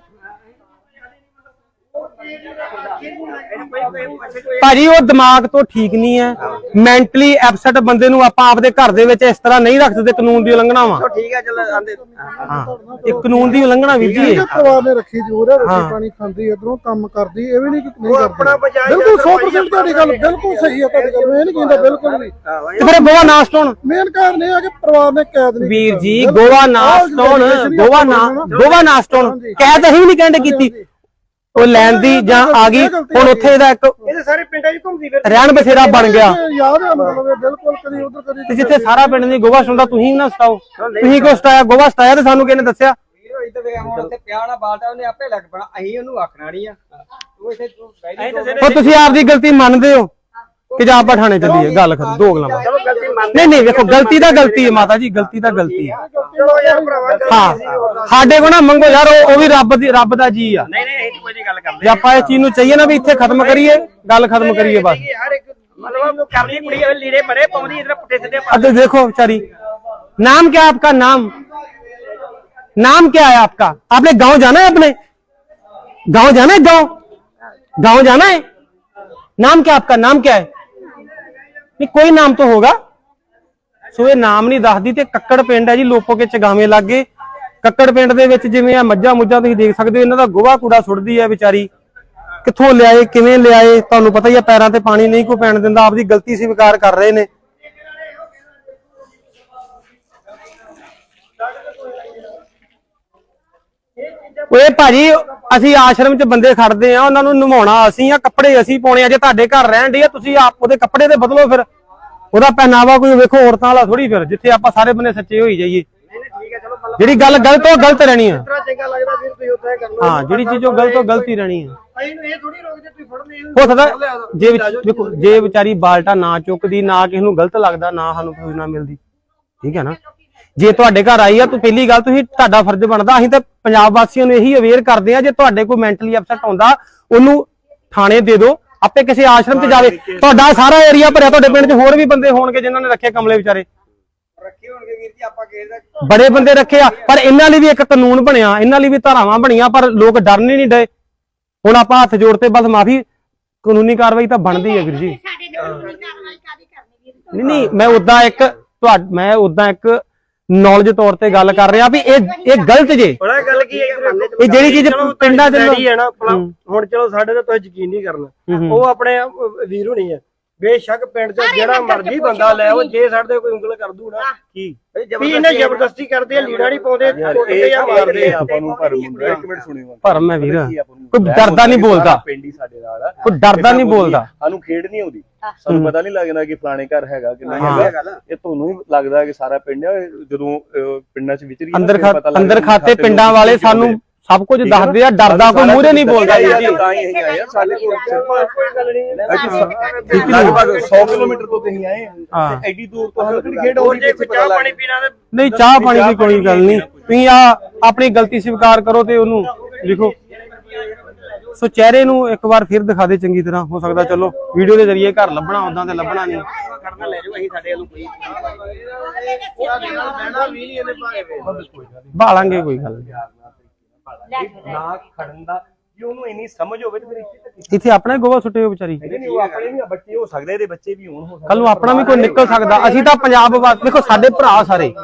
S5: ਭਾਜੀ ਉਹ ਦਿਮਾਗ ਤੋਂ ਠੀਕ ਨਹੀਂ ਹੈ, ਮੈਂਟਲੀ ਐਪਸੈਟ ਬੰਦੇ ਨੂੰ ਆਪਾਂ ਆਪਦੇ ਘਰ ਦੇ ਵਿੱਚ ਇਸ ਤਰ੍ਹਾਂ ਨਹੀਂ ਰੱਖ ਸਕਦੇ, ਕਾਨੂੰਨ ਦੀ ਉਲੰਘਣਾ ਵਾ।
S4: ਠੀਕ ਹੈ ਚੱਲ ਆਂਦੇ।
S5: ਹਾਂ, ਇਹ ਕਾਨੂੰਨ ਦੀ ਉਲੰਘਣਾ ਵੀਰ ਜੀ।
S6: ਪਰਿਵਾਰ ਨੇ ਰੱਖੀ ਜ਼ਰੂਰ ਹੈ, ਰੋਟੀ ਪਾਣੀ ਖਾਂਦੀ, ਇਧਰੋਂ ਕੰਮ ਕਰਦੀ, ਇਹ ਵੀ ਨਹੀਂ ਕਿ ਨਹੀਂ
S4: ਆਪਣਾ
S6: ਕਰਦੀ।
S4: ਬਚਾਅ
S6: ਬਿਲਕੁਲ ਸੌ ਪ੍ਰਸੈਂਟ ਤੁਹਾਡੀ ਗੱਲ ਬਿਲਕੁਲ ਸਹੀ ਹੈ, ਤੁਹਾਡੀ ਗੱਲ ਇਹ ਨਹੀਂ ਕਹਿੰਦਾ ਬਿਲਕੁਲ ਨਹੀਂ।
S5: ਤੇ ਫਿਰ ਗੋਵਾ ਨਾ ਸਟਾਉਣ
S6: ਮੇਨ ਕਾਰਨ ਇਹ ਆ ਕਿ ਪਰਿਵਾਰ ਨੇ ਕੈਦ ਨਹੀਂ
S5: ਵੀਰ ਜੀ, ਗੋਵਾ ਨਾ ਸਟਾਉਣ, ਗੋਵਾ ਨਾ ਗੋਵਾ ਨਾ ਸਟਾਉਣ ਕੈਦ ਅਸੀਂ ਵੀ ਨਹੀਂ ਕਹਿੰਦੇ ਕੀਤੀ, ਉਹ ਲੈਣ ਦੀ ਜਾਂ ਆ ਗਈ। ਹੁਣ ਉੱਥੇ ਇਹਦਾ ਇੱਕ
S4: ਇਹਦੇ ਸਾਰੇ ਪਿੰਡਾਂ 'ਚ ਘੁੰਮਦੀ ਫਿਰ
S5: ਰਹਿਣ ਬਸੇਰਾ ਬਣ ਗਿਆ,
S6: ਯਾਦ ਹੈ ਮਤਲਬ ਇਹ ਬਿਲਕੁਲ ਕਦੀ ਉਧਰ ਕਦੀ
S5: ਤੇ ਜਿੱਥੇ ਸਾਰਾ ਪਿੰਡ ਦੀ ਗੋਵਾ ਸੁਣਦਾ ਤੁਸੀਂ ਨਾ ਸਟਾਓ। ਤੁਸੀਂ ਕਿਉਂ ਸਟਾਇਆ? ਗੋਵਾ ਸਟਾਇਆ ਤੇ ਸਾਨੂੰ ਕਿਹਨੇ ਦੱਸਿਆ?
S2: ਹੁਣ ਉੱਥੇ ਪਿਆ ਨਾ ਬਾਲਟਾ, ਉਹਨੇ ਆਪੇ ਲੱਗ ਪਣਾ, ਅਸੀਂ ਉਹਨੂੰ ਆਖਣਾ ਨਹੀਂ ਆ। ਤੂੰ ਇੱਥੇ ਤੂੰ
S5: ਉਹ ਤੁਸੀਂ ਆਪਦੀ ਗਲਤੀ ਮੰਨਦੇ ਹੋ, ਕਿ ਜਾਂ ਆਪਾਂ ਥਾਣੇ ਚੱਲੀਏ ਗੱਲ ਕਰ ਦੋ ਗੱਲਾਂ
S4: ਚਲੋ ਗਲਤੀ ਮੰਨ
S5: ਨਹੀਂ ਨਹੀਂ ਵੇਖੋ ਗਲਤੀ ਤਾਂ ਗਲਤੀ ਹੈ ਮਾਤਾ ਜੀ ਗਲਤੀ ਤਾਂ ਗਲਤੀ ਹੈ
S4: ਚਲੋ ਯਾਰ ਭਰਾਵਾ
S5: ਹਾਂ ਸਾਡੇ ਕੋਲ ਨਾ ਮੰਗੋ ਯਾਰ ਉਹ ਉਹ ਵੀ ਰੱਬ ਦੀ ਰੱਬ ਦਾ ਜੀ ਆ
S2: ਨਹੀਂ ਨਹੀਂ ਇਹ ਕੋਈ ਨਹੀਂ ਗੱਲ ਕਰਦੇ
S5: ਜੇ ਆਪਾਂ ਇਹ ਚੀਜ਼ ਨੂੰ ਚਾਹੀਏ ਨਾ ਵੀ ਇੱਥੇ ਖਤਮ ਕਰੀਏ ਗੱਲ ਖਤਮ ਕਰੀਏ ਬਸ
S4: ਹਰ ਇੱਕ ਮਤਲਬ ਕਰਨੀ ਕੁੜੀ ਲੀੜੇ ਬੜੇ ਪਾਉਂਦੀ ਇਧਰ ਪੁੱਠੇ ਸਿੱਧੇ
S5: अब देखो बेचारी नाम क्या है आपका नाम नाम क्या है आपका आपने गांव जाना है अपने गांव जाना है गांव गांव जाना है नाम क्या आपका नाम क्या है नहीं कोई नाम तो होगा सो ये नाम नहीं दसदी ते कक्कड़ पिंड है जी लोपो के चगावे लागे कक्कड़ पिंड दे विच जिवें आ मੱਝਾਂ ਮੁੱਝਾਂ ਤੁਸੀਂ देख सकते हो इन्हां दा गोहा कूड़ा सुटदी है बेचारी कित्थों लियाए किवें लियाए तुहानूं पता ही है पैरां ते पानी नहीं कोई पैण दिंदा आपदी गलती स्वीकार कर रहे ने ਓਏ ਭਾਜੀ ਅਸੀਂ ਆਸ਼ਰਮ 'ਚ ਬੰਦੇ ਖੜਦੇ ਆ ਉਹਨਾਂ ਨੂੰ ਨਵਾਉਣਾ ਅਸੀਂ ਆ ਕੱਪੜੇ ਅਸੀਂ ਪਾਉਣੇ ਆ ਜੇ ਤੁਹਾਡੇ ਘਰ ਰਹਿਣ ਡੇ ਆ ਤੁਸੀਂ ਆਪ ਉਹਦੇ ਕੱਪੜੇ ਤੇ ਬਦਲੋ ਫਿਰ ਉਹਦਾ ਪਹਿਨਾਵਾ ਕੋਈ ਵੇਖੋ ਔਰਤਾਂ ਵਾਲਾ ਥੋੜੀ ਫਿਰ ਜਿੱਥੇ ਆਪਾਂ ਸਾਰੇ ਬੰਦੇ ਸੱਚੇ ਹੋਈ ਜਾਈਏ ਜਿਹੜੀ ਗੱਲ ਗਲਤ ਉਹ ਗਲਤ ਰਹਿਣੀ ਆ
S4: ਚੰਗਾ ਲੱਗਦਾ ਫਿਰ ਤੁਸੀਂ ਉੱਥੇ ਕਰ ਲਓ
S5: ਹਾਂ ਜਿਹੜੀ ਚੀਜ਼ ਉਹ ਗਲਤ ਉਹ ਗਲਤ ਹੀ ਰਹਿਣੀ ਆ
S4: ਅਸੀਂ ਨੂੰ ਇਹ ਥੋੜੀ ਰੋਕਦੇ ਤੁਸੀਂ ਫੜਨੇ
S5: ਹੋ ਸਕਦਾ ਜੇ ਵੇਖੋ ਜੇ ਵਿਚਾਰੀ ਬਾਲਟਾ ਨਾ ਚੁੱਕਦੀ ਨਾ ਕਿਸੇ ਨੂੰ ਗਲਤ ਲੱਗਦਾ ਨਾ ਸਾਨੂੰ ਕੋਈ ਨਾ ਮਿਲਦੀ ਠੀਕ ਹੈ ਨਾ ਜੇ ਤੁਹਾਡੇ ਘਰ ਆਈ ਆ ਤਾਂ ਪਹਿਲੀ ਗੱਲ ਤੁਸੀਂ ਤੁਹਾਡਾ ਫਰਜ਼ ਬਣਦਾ ਅਸੀਂ ਤਾਂ ਪੰਜਾਬ ਵਾਸੀਆਂ ਨੂੰ ਇਹੀ ਅਵੇਅਰ ਕਰਦੇ ਆ ਜੇ ਤੁਹਾਡੇ ਕੋਈ ਮੈਂਟਲੀ ਅਪਸੈਟ ਹੁੰਦਾ ਉਹਨੂੰ ਥਾਣੇ ਦੇ ਦਿਓ ਆਪੇ ਕਿਸੇ ਆਸ਼ਰਮ 'ਚ ਜਾਵੇ ਤੁਹਾਡਾ ਸਾਰਾ ਏਰੀਆ ਭਰਿਆ ਤੁਹਾਡੇ ਪਿੰਡ 'ਚ ਹੋਰ ਵੀ ਬੰਦੇ ਹੋਣਗੇ ਜਿਨ੍ਹਾਂ ਨੇ ਰੱਖੇ ਕਮਲੇ ਵਿਚਾਰੇ
S2: ਰੱਖੇ ਹੋਣਗੇ ਵੀਰ ਜੀ ਆਪਾਂ ਕਿਸੇ
S5: ਬੜੇ ਬੰਦੇ ਰੱਖੇ ਆ ਪਰ ਇਹਨਾਂ ਲਈ ਵੀ ਇੱਕ ਕਾਨੂੰਨ ਬਣਿਆ ਇਹਨਾਂ ਲਈ ਵੀ ਧਾਰਾਵਾਂ ਬਣੀਆਂ ਪਰ ਲੋਕ ਡਰਨ ਹੀ ਨਹੀਂ ਡਏ ਹੁਣ ਆਪਾਂ ਹੱਥ ਜੋੜ ਤੇ ਬਸ ਮਾਫੀ ਕਾਨੂੰਨੀ ਕਾਰਵਾਈ ਤਾਂ ਬਣਦੀ ਹੈ ਵੀਰ ਜੀ
S3: ਸਾਡੇ ਦੇ ਕਾਨੂੰਨੀ ਕਾਰਵਾਈ ਕਾਦੀ ਕਰਨੀ ਵੀਰ
S5: ਨਹੀਂ ਨਹੀਂ ਮੈਂ ਉਦਾਂ ਇੱਕ ਤੁਹਾ ਮੈਂ ਉਦਾਂ ਇੱਕ ਨੌਲੇਜ ਤੌਰ ਤੇ ਗੱਲ ਕਰ ਰਿਹਾ ਵੀ ਇਹ ਇਹ ਗਲਤ ਜੇ
S4: ਬੜਾ ਗੱਲ ਕੀ ਹੈ
S5: ਇਹ ਜਿਹੜੀ ਚੀਜ਼ ਪਿੰਡਾਂ ਦੇ
S4: ਡੈਡੀ ਹੈ ਨਾ ਆਪਣਾ ਹੁਣ ਚਲੋ ਸਾਡੇ ਤੇ ਤੁਸੀਂ ਯਕੀਨ ਨਹੀਂ ਕਰਨਾ ਉਹ ਆਪਣੇ ਵੀਰ ਹੋਣੀ ਹੈ ਬੇਸ਼ੱਕ ਪਿੰਡ ਚ ਜਿਹੜਾ ਮਰਜ਼ੀ ਬੰਦਾ ਲੈ ਉਹ ਜੇ ਸਾਡੇ ਕੋਈ ਉਂਗਲ ਕਰ ਦੂ ਨਾ ਕੀ ਵੀ ਇਹਨੇ ਜ਼ਬਰਦਸਤੀ ਕਰਦੇ ਆ ਲੀੜਾ ਨਹੀਂ ਪਾਉਂਦੇ ਕੁੱਟਦੇ ਜਾਂ ਮਾਰਦੇ ਆ
S7: ਆਪਾਂ ਨੂੰ ਪਰ ਮੁੰਡਾ ਇੱਕ ਮਿੰਟ ਸੁਣਿਓ
S5: ਭਰਮ ਹੈ ਵੀਰ ਕੋਈ ਡਰਦਾ ਨਹੀਂ ਬੋਲਦਾ
S7: ਪਿੰਡੀ ਸਾਡੇ ਨਾਲ
S5: ਕੋਈ ਡਰਦਾ ਨਹੀਂ ਬੋਲਦਾ
S7: ਸਾਨੂੰ ਖੇਡ ਨਹੀਂ ਆਉਂਦੀ ਸਾਨੂੰ ਪਤਾ ਨਹੀਂ ਲੱਗਦਾ ਕਿ ਫਲਾਣੇ ਘਰ ਹੈਗਾ ਕਿ ਨਹੀਂ ਹੈਗਾ ਇਹ ਤੁਹਾਨੂੰ ਹੀ ਲੱਗਦਾ ਕਿ ਸਾਰਾ ਪਿੰਡ ਹੈ ਜਦੋਂ ਪਿੰਡਾਂ ਚ ਵਿਚਰੀ
S5: ਅੰਦਰ ਅੰਦਰ ਖਾਤੇ ਪਿੰਡਾਂ ਵਾਲੇ ਸਾਨੂੰ ਸਭ ਕੁਝ ਦੱਸਦੇ ਆ ਡਰਦਾ ਕੋਈ ਮੂਹਰੇ ਨਹੀਂ ਬੋਲਦਾ ਜੀ
S7: ਤਾਂ ਹੀ ਅਸੀਂ ਆਏ ਆ ਸਾਡੇ ਕੋਲ ਕੋਈ ਗੱਲ ਨਹੀਂ ਲਗਭਗ ਸੌ ਕਿਲੋਮੀਟਰ ਤੋਂ ਤੁਸੀਂ ਆਏ ਆ ਐਡੀ ਦੂਰ ਤੋਂ ਸਾਨੂੰ ਖੇਡ ਹੋ ਰਹੀ ਹੈ
S4: ਚਾਹ ਪਾਣੀ ਪੀਣਾ ਤੇ
S5: ਨਹੀਂ ਚਾਹ ਪਾਣੀ ਦੀ ਕੋਈ ਗੱਲ ਨਹੀਂ ਤੁਸੀਂ ਆ ਆਪਣੀ ਗਲਤੀ ਸਵੀਕਾਰ ਕਰੋ ਤੇ ਉਹਨੂੰ ਲਿਖੋ ਸੋ ਚਿਹਰੇ ਨੂੰ ਇੱਕ ਵਾਰ ਫਿਰ ਦਿਖਾ ਦੇ ਚੰਗੀ ਤਰ੍ਹਾਂ ਹੋ ਸਕਦਾ ਚਲੋ ਵੀਡੀਓ ਦੇ ਜ਼ਰੀਏ ਘਰ ਲੱਭਣਾ ਉਦਾਂ ਤੇ ਲੱਭਣਾ ਨਹੀਂ
S2: ਕਰਨਾ ਲੈ ਜਾਓ ਅਸੀਂ ਸਾਡੇ ਵੱਲੋਂ ਕੋਈ
S4: ਬਹਿਣਾ ਵੀ ਨਹੀਂ ਇਹਨੇ ਭਾਵੇਂ
S5: ਭਾਲਾਂਗੇ ਕੋਈ ਗੱਲ ਨਹੀਂ
S7: ਨਾ ਖੜਨ ਦਾ ਜੇ ਉਹਨੂੰ ਇੰਨੀ ਸਮਝ ਹੋਵੇ ਤੇ ਫਿਰ ਇੱਥੇ
S5: ਇੱਥੇ ਆਪਣਾ ਗੋਵਾ ਸੁੱਟੇ ਹੋ ਵਿਚਾਰੀ
S7: ਨਹੀਂ ਉਹ ਆਪਣੇ ਵੀ ਬੱਚੇ ਹੋ ਸਕਦੇ ਇਹਦੇ ਬੱਚੇ ਵੀ ਹੋਣ ਹੋ
S5: ਕੱਲ ਨੂੰ ਆਪਣਾ ਵੀ ਕੋਈ ਨਿਕਲ ਸਕਦਾ ਅਸੀਂ ਤਾਂ ਪੰਜਾਬ ਵਾਸਤੇ ਦੇਖੋ ਸਾਡੇ ਭਰਾ ਸਾਰੇ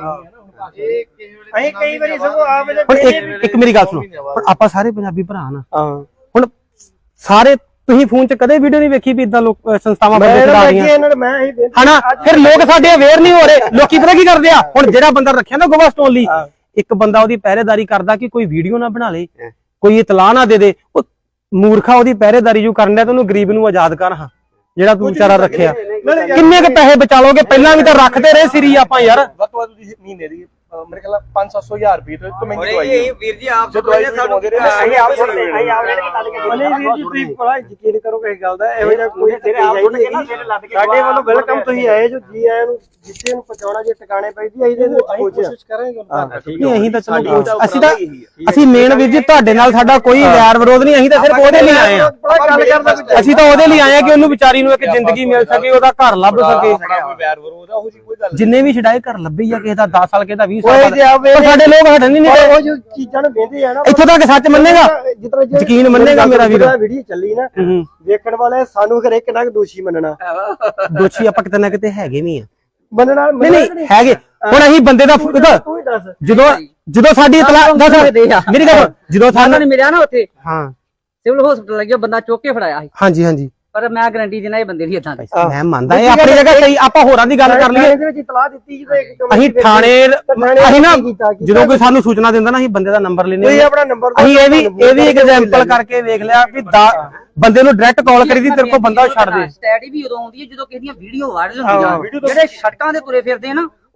S4: ਅਸੀਂ ਕਈ ਵਾਰੀ ਸਗੋਂ ਆ ਵੇਲੇ
S5: ਹੁਣ ਇੱਕ ਇੱਕ ਮੇਰੀ ਗੱਲ ਸੁਣੋ ਹੁਣ ਆਪਾਂ ਸਾਰੇ ਪੰਜਾਬੀ ਭਰਾ ਨਾ ਹੁਣ ਸਾਰੇ ਤੁਸੀਂ ਫੋਨ 'ਚ ਕਦੇ ਵੀਡੀਓ ਨਹੀਂ ਵੇਖੀ ਵੀ ਇਦਾਂ ਲੋਕ ਸੰਸਥਾਵਾਂ ਬੰਦੇ ਚਲਾ ਰਹੀਆਂ
S4: ਇਹਨਾਂ ਮੈਂ ਹੀ
S5: ਹਨਾ ਫਿਰ ਲੋਕ ਸਾਡੇ ਅਵੇਅਰ ਨਹੀਂ ਹੋ ਰਹੇ ਲੋਕੀ ਪਤਾ ਕੀ ਕਰਦੇ ਆ ਹੁਣ ਜਿਹੜਾ ਬੰਦਾ ਰੱਖਿਆ ਨਾ ਗੋਵਾ ਸਟੋਨ ਲਈ ਇੱਕ ਬੰਦਾ ਉਹਦੀ ਪਹਿਰੇਦਾਰੀ ਕਰਦਾ ਕਿ ਕੋਈ ਵੀਡੀਓ ਨਾ ਬਣਾ ਲੇ ਕੋਈ ਇਤਲਾਹ ਨਾ ਦੇ ਦੇ ਉਹ ਮੂਰਖਾ ਉਹਦੀ ਪਹਿਰੇਦਾਰੀ ਜੋ ਕਰਨ ਡਿਆ ਤੇ ਉਹਨੂੰ ਗਰੀਬ ਨੂੰ ਆਜ਼ਾਦ ਕਰ ਹਾਂ ਜਿਹੜਾ ਤੂੰ ਵਿਚਾਰਾ ਰੱਖਿਆ ਕਿੰਨੇ ਕੁ ਪੈਸੇ ਬਚਾ ਲੋਗੇ ਪਹਿਲਾਂ ਵੀ ਤਾਂ ਰੱਖਦੇ ਰਹੇ ਸਿਰੀ ਆਪਾਂ ਯਾਰ
S7: ਵੱਧ ਤੋਂ ਵੱਧ ਤੁਸੀਂ ਮਹੀਨੇ ਦੀ ਮੇਰੇ ਖਿਆਲ ਪੰਜ ਸੱਤ ਸੌ ਹਜ਼ਾਰ ਰੁਪਏ ਤੋਂ ਇੱਕ ਮਹਿੰਗੀ ਦਵਾਈ
S2: ਇਹ ਵੀਰ ਜੀ ਆਪ
S7: ਜੇ ਦਵਾਈ ਸਾਨੂੰ ਦੇ ਰਹੇ
S4: ਅਸੀਂ ਆਪ ਸੁਣਦੇ ਅਸੀਂ ਆਪ ਨਾਲ ਗੱਲ ਕੀਤੀ ਨਹੀਂ ਵੀਰ ਜੀ ਤੁਸੀਂ ਬੜਾ ਯਕੀਨ ਕਰੋ ਕਿਸੇ ਗੱਲ ਦਾ ਇਹੋ ਜਿਹਾ ਕੋਈ ਤੇਰੇ ਆਪ ਸੁਣ ਕੇ ਨਾ ਸਾਡੇ ਵੱਲੋਂ ਵੈਲਕਮ ਤੁਸੀਂ ਆਏ ਜੋ ਜੀ ਆਇਆਂ ਨੂੰ ਜਿੱਥੇ ਨੂੰ ਪਹੁੰਚਾਉਣਾ ਜੇ ਟਿਕਾਣੇ ਪੈਂਦੀ ਅਸੀਂ ਇਹਦੇ ਵਿੱਚ ਕੋਸ਼ਿਸ਼ ਕਰਾਂਗੇ
S5: ਨਹੀਂ ਅਸੀਂ ਤਾਂ ਚਲੋ ਅਸੀਂ ਤਾਂ ਅਸੀਂ ਮੇਨ ਵੀਰ ਜੀ ਤੁਹਾਡੇ ਨਾਲ ਸਾਡਾ ਕੋਈ ਵੈਰ ਵਿਰੋਧ ਨਹੀਂ ਅਸੀਂ ਤਾਂ ਸਿਰਫ ਉਹਦੇ ਲਈ ਆਏ ਆ
S4: ਗੱਲ ਕਰਦਾ
S5: ਅਸੀਂ ਤਾਂ ਉਹਦੇ ਲਈ ਆਏ ਆ ਕਿ ਉਹਨੂੰ ਵਿਚਾਰੀ ਨੂੰ ਇੱਕ ਜ਼ਿੰਦਗੀ ਮਿਲ ਸਕੇ ਉਹਦਾ ਘਰ ਲੱਭ ਸਕੇ
S7: ਵੈਰ ਵਿਰੋਧ ਆ ਉਹ ਜੀ ਕੋਈ ਗੱਲ
S5: ਜਿੰਨੇ ਵੀ ਛਡਾਏ ਘਰ ਲੱਭੇ ਆ ਕਿਸੇ ਦਾ ਦਸ ਸਾਲ ਕਿਸੇ ਦਾ ਵੀਹ
S4: ਕੋਈ
S5: ਸਾਲ
S4: ਜੇ ਆਵੇ
S5: ਪਰ ਸਾਡੇ ਲੋਕ ਹਟਣ ਹੀ ਨਹੀਂ ਰਹੇ
S4: ਉਹ ਜੋ ਚੀਜ਼ਾਂ ਨੂੰ ਵੇਂਦੇ ਆ ਨਾ
S5: ਇੱਥੋਂ ਤੱਕ ਸੱਚ ਮੰਨੇਗਾ
S4: ਜਿਤਨਾ
S5: ਯਕੀਨ ਮੰਨੇਗਾ ਮੇਰਾ ਵੀਰ
S4: ਵੀਡੀਓ ਚੱਲੀ ਨਾ ਵੇਖਣ ਵਾਲੇ ਸਾਨੂੰ ਫਿਰ ਇੱਕ ਨਾ ਦੋਸ਼ੀ ਮੰਨਣਾ
S5: ਦੋਸ਼ੀ ਆਪਾਂ ਕਿਤੇ ਨਾ ਕਿਤੇ ਹੈਗੇ ਵੀ ਆ
S4: ਮੰਨਣਾ
S5: ਨਹੀਂ ਨਹੀਂ ਹੈਗੇ ਹੁਣ ਅਸੀਂ ਬੰਦੇ ਦਾ
S4: ਤੂੰ ਹੀ ਦੱਸ
S5: ਜਦੋਂ ਜਦੋਂ ਸਾਡੀ ਇਤਲਾਹ ਦੱਸ ਮੇਰੀ ਗੱਲ ਜਦੋਂ ਸਾਨੂੰ
S8: ਨੇ ਮਿਲਿਆ ਨਾ ਉੱਥੇ
S5: ਹਾਂ
S8: ਸਿਵਲ ਹਸਪੀਟਲ ਲੱਗਿਆ ਬੰਦਾ ਚੁੱਕ ਕੇ ਫੜਾਇਆ ਸੀ
S5: ਹਾਂਜੀ ਹਾਂਜੀ
S8: ਪਰ ਮੈਂ ਗਾਰੰਟੀ ਦੇਣਾ ਇਹ ਬੰਦੇ ਦੀ ਇਦਾਂ ਦੇ
S5: ਮੈਂ ਮੰਨਦਾ ਇਹ ਆਪਣੀ ਜਗ੍ਹਾ ਸਹੀ ਆਪਾਂ ਹੋਰਾਂ ਦੀ ਗੱਲ ਕਰ ਲਈਏ
S4: ਇਹਦੇ ਵਿੱਚ ਇਤਲਾਹ ਦਿੱਤੀ ਜਦੋਂ ਇੱਕ ਕਮਰੇ
S5: ਅਸੀਂ
S4: ਵਿੱਚ
S5: ਥਾਣੇ
S4: ਥਾਣੇ
S5: ਅਸੀਂ ਨਾ
S4: ਕੀਤਾ, ਕੀਤਾ।
S5: ਜਦੋਂ ਕੋਈ ਸਾਨੂੰ ਸੂਚਨਾ ਦਿੰਦਾ ਨਾ ਅਸੀਂ ਬੰਦੇ ਦਾ ਨੰਬਰ ਲੈਨੇ
S4: ਤੁਸੀਂ ਆਪਣਾ ਨੰਬਰ ਦਿਓ,
S5: ਅਸੀਂ ਇਹ ਵੀ
S4: ਤੁਹਾਨੂੰ
S5: ਇਹ ਵੀ ਇੱਕ
S4: phone
S5: ਐਗਜ਼ਾਮਪਲ ਕਰਕੇ ਵੇਖ ਲਿਆ ਵੀ ਦਾ- ਬੰਦੇ ਨੂੰ ਡਾਇਰੈਕਟ ਕਾਲ ਕਰੀ ਦੀ ਤੇਰੇ ਕੋਲ ਬੰਦਾ ਛੱਡ ਦੇ
S8: ਸਟੈਡੀ ਵੀ ਉਦੋਂ ਆਉਂਦੀ ਹੈ ਜਦੋਂ ਕਿਸੇ ਦੀਆਂ ਵੀਡੀਓ ਵਾਇਰਲ ਹੁੰਦੀਆਂ ਜਿਹੜੇ ਸੜਕਾਂ ਦੇ ਤੁਰੇ ਫਿਰਦੇ ਨਾ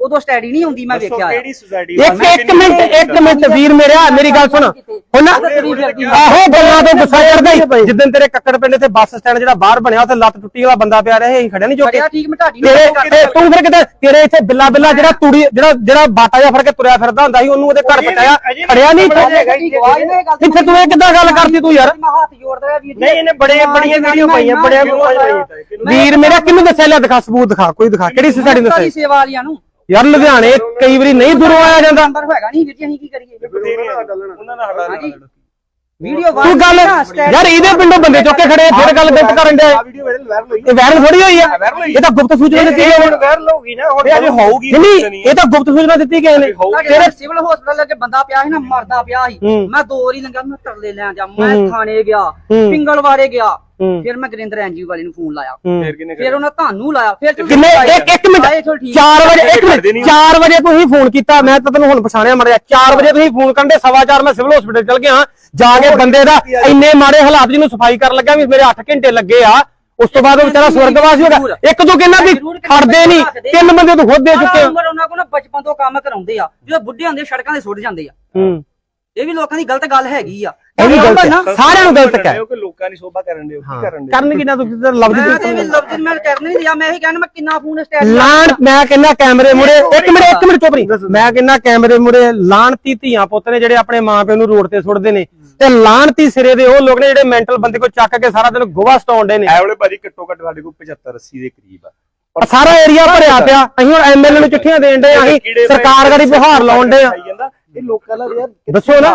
S8: ਉਦੋਂ ਸਟੈਡੀ ਨਹੀਂ ਹੁੰਦੀ ਮੈਂ ਵੇਖਿਆ ਆ।
S7: ਕਿਹੜੀ ਸੁਸਾਇਟੀ
S5: ਇੱਕ ਇੱਕ ਮਿੰਟ ਇੱਕ ਮਿੰਟ ਵੀਰ ਮੇਰਿਆ ਮੇਰੀ ਗੱਲ ਸੁਣ ਹੁਣ ਆਹੋ ਗੱਲਾਂ ਤੋਂ ਗੁੱਸਾ ਚੜਦਾ ਹੀ ਜਿੱਦਣ ਤੇਰੇ ਕੱਕੜ ਪਿੰਡ ਤੇ ਬੱਸ ਸਟੈਂਡ ਜਿਹੜਾ ਬਾਹਰ ਬਣਿਆ ਉੱਥੇ ਲੱਤ ਟੁੱਟੀ ਵਾਲਾ ਬੰਦਾ ਪਿਆ ਰਿਹਾ ਅਸੀਂ ਖੜਿਆ ਨਹੀਂ ਚੁੱਕੇ
S8: ਠੀਕ ਮੈਂ ਤੁਹਾਡੀ
S5: ਤੇਰੇ ਤੇ ਤੂੰ ਫਿਰ ਕਿਤੇ ਤੇਰੇ ਇੱਥੇ ਬਿੱਲਾ ਬਿੱਲਾ ਜਿਹੜਾ ਤੂੜੀ ਜਿਹੜਾ ਜਿਹੜਾ ਬਾਟਾ ਜਿਹਾ ਫੜ ਕੇ ਤੁਰਿਆ ਫਿਰਦਾ ਹੁੰਦਾ ਸੀ ਉਹਨੂੰ ਉਹਦੇ ਘਰ ਪਟਾਇਆ ਖੜਿਆ ਨਹੀਂ ਇੱਥੇ ਤੂੰ ਇਹ ਕਿੱਦਾਂ ਗੱਲ ਕਰਦੀ ਤੂੰ ਯਾਰ
S8: ਮੈਂ ਹੱਥ ਜੋੜਦਾ ਵੀਰ
S4: ਨਹੀਂ ਇਹਨੇ ਬੜੇ ਬੜੀਆਂ ਵੀਡੀਓ ਪਾਈਆਂ ਬੜਿਆਂ ਨੂੰ
S5: ਵੀਰ ਮੇਰਾ ਕਿਹਨੂੰ ਦੱਸਿਆ ਲੈ ਦਿਖਾ ਸਬੂਤ ਦਿਖਾ ਕੋਈ ਦਿਖਾ ਕਿਹੜੀ ਸੁਸਾਇਟੀ ਨੂੰ ਦੱਸਿਆ
S8: ਸੇਵਾ ਵਾਲਿਆਂ ਨੂੰ
S5: ਯਾਰ ਲੁਧਿਆਣੇ ਕਈ ਵਾਰੀ ਨਹੀਂ ਦੂਰੋਂ ਆਇਆ ਜਾਂਦਾ
S8: ਨੰਬਰ ਹੈਗਾ ਨਹੀਂ ਵੀਰ ਜੀ ਅਸੀਂ ਕੀ ਕਰੀਏ
S7: ਉਹਨਾਂ ਨਾਲ ਹਟਾ
S8: ਹਾਂਜੀ ਵੀਡੀਓ
S5: ਤੂੰ ਗੱਲ ਯਾਰ ਇਹਦੇ ਪਿੰਡੋਂ ਬੰਦੇ ਚੁੱਕ ਕੇ ਖੜੇ ਫਿਰ ਗੱਲ ਗਲਤ ਕਰਨ ਦੇ
S7: ਵੀਡੀਓ ਵਾਇਰਲ ਹੋਈ
S5: ਇਹ ਵਾਇਰਲ ਥੋੜੀ ਹੋਈ ਆ ਇਹ ਤਾਂ ਗੁਪਤ ਸੂਚਨਾ ਦਿੱਤੀ ਗਈ
S4: ਹੁਣ ਵਾਇਰਲ ਹੋ ਗਈ ਨਾ ਹੁਣ
S7: ਅਜੇ ਹੋਊਗੀ
S5: ਨਹੀਂ ਇਹ ਤਾਂ ਗੁਪਤ ਸੂਚਨਾ ਦਿੱਤੀ ਗਈ ਨੇ
S8: ਤੇਰੇ ਸਿਵਲ ਹਸਪਤਾਲ ਲੱਗੇ ਬੰਦਾ ਪਿਆ ਸੀ ਨਾ ਮਰਦਾ ਪਿਆ ਸੀ ਮੈਂ ਦੋ ਵਾਰੀ ਲੰਗਾ ਮੈਂ ਤਰਲੇ ਲੈਣ ਜਾ ਮੈਂ ਥਾਣੇ ਗਿਆ ਪਿੰਗਲਵਾੜੇ ਗਿਆ ਫਿਰ ਮੈਂ ਗਰਿੰਦਰ ਐਨਜੀਓ ਵਾਲੇ ਨੂੰ ਫੋਨ ਲਾਇਆ
S7: ਫਿਰ ਕਿੰਨੇ
S8: ਫਿਰ ਉਹਨਾਂ ਤੁਹਾਨੂੰ ਲਾਇਆ ਫਿਰ
S5: ਕਿੰਨੇ ਇੱਕ ਇੱਕ ਮਿੰਟ ਚਾਰ ਵਜੇ ਇੱਕ ਮਿੰਟ ਚਾਰ ਵਜੇ ਤੁਸੀਂ ਫੋਨ ਕੀਤਾ ਮੈਂ ਤਾਂ ਤੈਨੂੰ ਹੁਣ ਪਛਾਣਿਆ ਮੜਿਆ ਚਾਰ ਵਜੇ ਤੁਸੀਂ ਫੋਨ ਕਰਨ ਦੇ ਸਵਾ ਚਾਰ ਮੈਂ ਸਿਵਲ ਹਸਪੀਟਲ ਚਲ ਗਿਆ ਜਾ ਕੇ ਬੰਦੇ ਦਾ ਇੰਨੇ ਮਾੜੇ ਹਾਲਾਤ ਜਿਹਨੂੰ ਸਫਾਈ ਕਰਨ ਲੱਗਾ ਵੀ ਮੇਰੇ ਅੱਠ ਘੰਟੇ ਲੱਗੇ ਆ ਉਸ ਤੋਂ ਬਾਅਦ ਉਹ ਵਿਚਾਰਾ ਸਵਰਗਵਾਸੀ ਹੋ ਗਿਆ ਇੱਕ ਤੂੰ ਕਹਿੰਦਾ ਵੀ ਖੜਦੇ ਨਹੀਂ ਤਿੰਨ ਬੰਦੇ ਤੂੰ ਖੁਦ ਦੇ ਚੁੱਕੇ
S8: ਉਮਰ ਉਹਨਾਂ ਕੋਲ ਨਾ ਬਚਪਨ ਤੋਂ ਕੰਮ ਕਰਾਉਂਦੇ ਆ ਜਦੋਂ ਬੁੱਢੇ ਹੁੰਦੇ ਸੜਕਾਂ ਤੇ ਸੁੱਟ ਜਾਂਦੇ ਆ
S5: ਹੂੰ
S8: ਇਹ ਵੀ ਲੋਕਾਂ ਦੀ ਗਲਤ ਗੱਲ ਹੈਗੀ ਆ
S5: ਇਹ ਵੀ ਗਲਤ ਹੈ ਸਾਰਿਆਂ ਨੂੰ ਗਲਤ ਕਹਿ
S7: ਕਿ ਲੋਕਾਂ ਦੀ ਸ਼ੋਭਾ ਕਰਨ ਦੇ ਕੀ ਕਰਨ ਦੇ
S5: ਕਰਨ ਕਿੰਨਾ ਤੂੰ ਲਫ਼ਜ਼
S8: ਮੈਂ ਤੇ ਵੀ ਲਫ਼ਜ਼ ਮੈਂ ਕਰਨਾ ਨਹੀਂ ਦਿਆ ਮੈਂ ਇਹੀ ਕਹਿਣਾ ਮੈਂ ਕਿੰਨਾ ਫੋਨ ਸਟੈਂਡ
S5: ਲਾਣ ਮੈਂ ਕਹਿੰਦਾ ਕੈਮਰੇ ਮੁਰੇ ਇੱਕ ਮਿੰਟ ਇੱਕ ਮਿੰਟ ਚੁੱਪ ਰਹੀ ਮੈਂ ਕਹਿੰਦਾ ਕੈਮਰੇ ਮੁਰੇ ਲਾਣਤੀ ਧੀਆਂ ਪੁੱਤ ਨੇ ਜਿਹੜੇ ਆਪਣੇ ਮਾਂ ਪਿਓ ਨੂੰ ਰੋਡ ਤੇ ਸੁੱਟਦੇ ਨੇ ਤੇ ਲਾਣਤੀ ਸਿਰੇ ਦੇ ਉਹ ਲੋਕ ਨੇ ਜਿਹੜੇ ਮੈਂਟਲ ਬੰਦੇ ਕੋ ਚੱਕ ਕੇ ਸਾਰਾ ਦਿਨ ਗੋਹਾ ਸਟਾਉਂਦੇ ਨੇ
S7: ਐ ਵਾਲੇ ਭਾਜੀ ਘੱਟੋ ਘੱਟ ਸਾਡੇ ਕੋਲ ਪਚੱਤਰ ਅੱਸੀ ਦੇ ਕਰੀਬ ਆ
S5: ਸਾਰਾ ਏਰੀਆ ਭਰਿਆ ਪਿਆ ਅਸੀਂ ਹੁਣ ਐਮਐਲਏ ਨੂੰ ਚਿੱਠੀਆਂ ਦੇਣ ਦੇ ਅਸੀਂ ਸਰਕਾਰ ਗਾੜੀ ਬੁਹਾਰ ਲਾਉਣ ਦੇ ਆ
S7: ਇਹ ਲੋਕਾਂ ਦਾ ਯਾਰ
S5: ਦੱਸੋ ਨਾ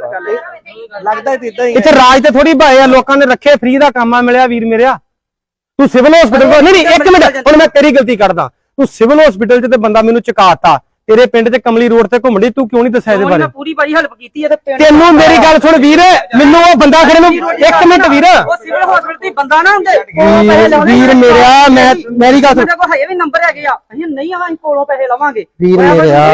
S7: ਲੱਗਦਾ ਇਦਾਂ ਹੀ
S5: ਇੱਥੇ ਰਾਜ ਤੇ ਥੋੜੀ ਭਾਏ ਆ ਲੋਕਾਂ ਨੇ ਰੱਖੇ ਫ੍ਰੀ ਦਾ ਕੰਮ ਆ ਮਿਲਿਆ ਵੀਰ ਮੇਰਿਆ ਤੂੰ ਸਿਵਲ ਹਸਪੀਟਲ ਨਹੀਂ ਨਹੀਂ ਇੱਕ ਮਿੰਟ ਹੁਣ ਮੈਂ ਤੇਰੀ ਗਲਤੀ ਕਰਦਾ ਤੂੰ ਸਿਵਲ ਹਸਪੀਟਲ 'ਚ ਤੇ ਬੰਦਾ ਮੈਨੂੰ ਚੁਕਾਤਾ ਤੇਰੇ ਪਿੰਡ ਤੇ ਕਮਲੀ ਰੋਡ ਤੇ ਘੁੰਮੜੀ ਤੂੰ ਕਿਉਂ ਨਹੀਂ ਦੱਸਿਆ ਇਹਦੇ ਬਾਰੇ
S8: ਪੂਰੀ ਬੜੀ ਹੈਲਪ ਕੀਤੀ ਹੈ ਤੇ ਪਿੰਡ
S5: ਤੈਨੂੰ ਮੇਰੀ ਗੱਲ ਸੁਣ ਵੀਰ ਮੈਨੂੰ ਉਹ ਬੰਦਾ ਖੜੇ ਨੂੰ ਇੱਕ ਮਿੰਟ ਵੀਰ
S8: ਉਹ ਸਿਵਲ ਹਸਪੀਟਲ ਤੇ ਬੰਦਾ ਨਾ ਹੁੰਦੇ ਕੋਲੋਂ ਪੈਸੇ ਲਾਉਣੇ
S5: ਵੀਰ ਮੇਰਿਆ ਮੈਂ ਮੇਰੀ ਗੱਲ ਸੁਣ
S8: ਸਾਡੇ ਕੋਲ ਹਜੇ ਵੀ ਨੰਬਰ ਹੈਗੇ ਆ ਅਸੀਂ ਨਹੀਂ ਆਵਾਂ ਕੋਲੋਂ ਪੈਸੇ ਲਵਾਂਗੇ
S5: ਵੀਰ ਮੇਰਿਆ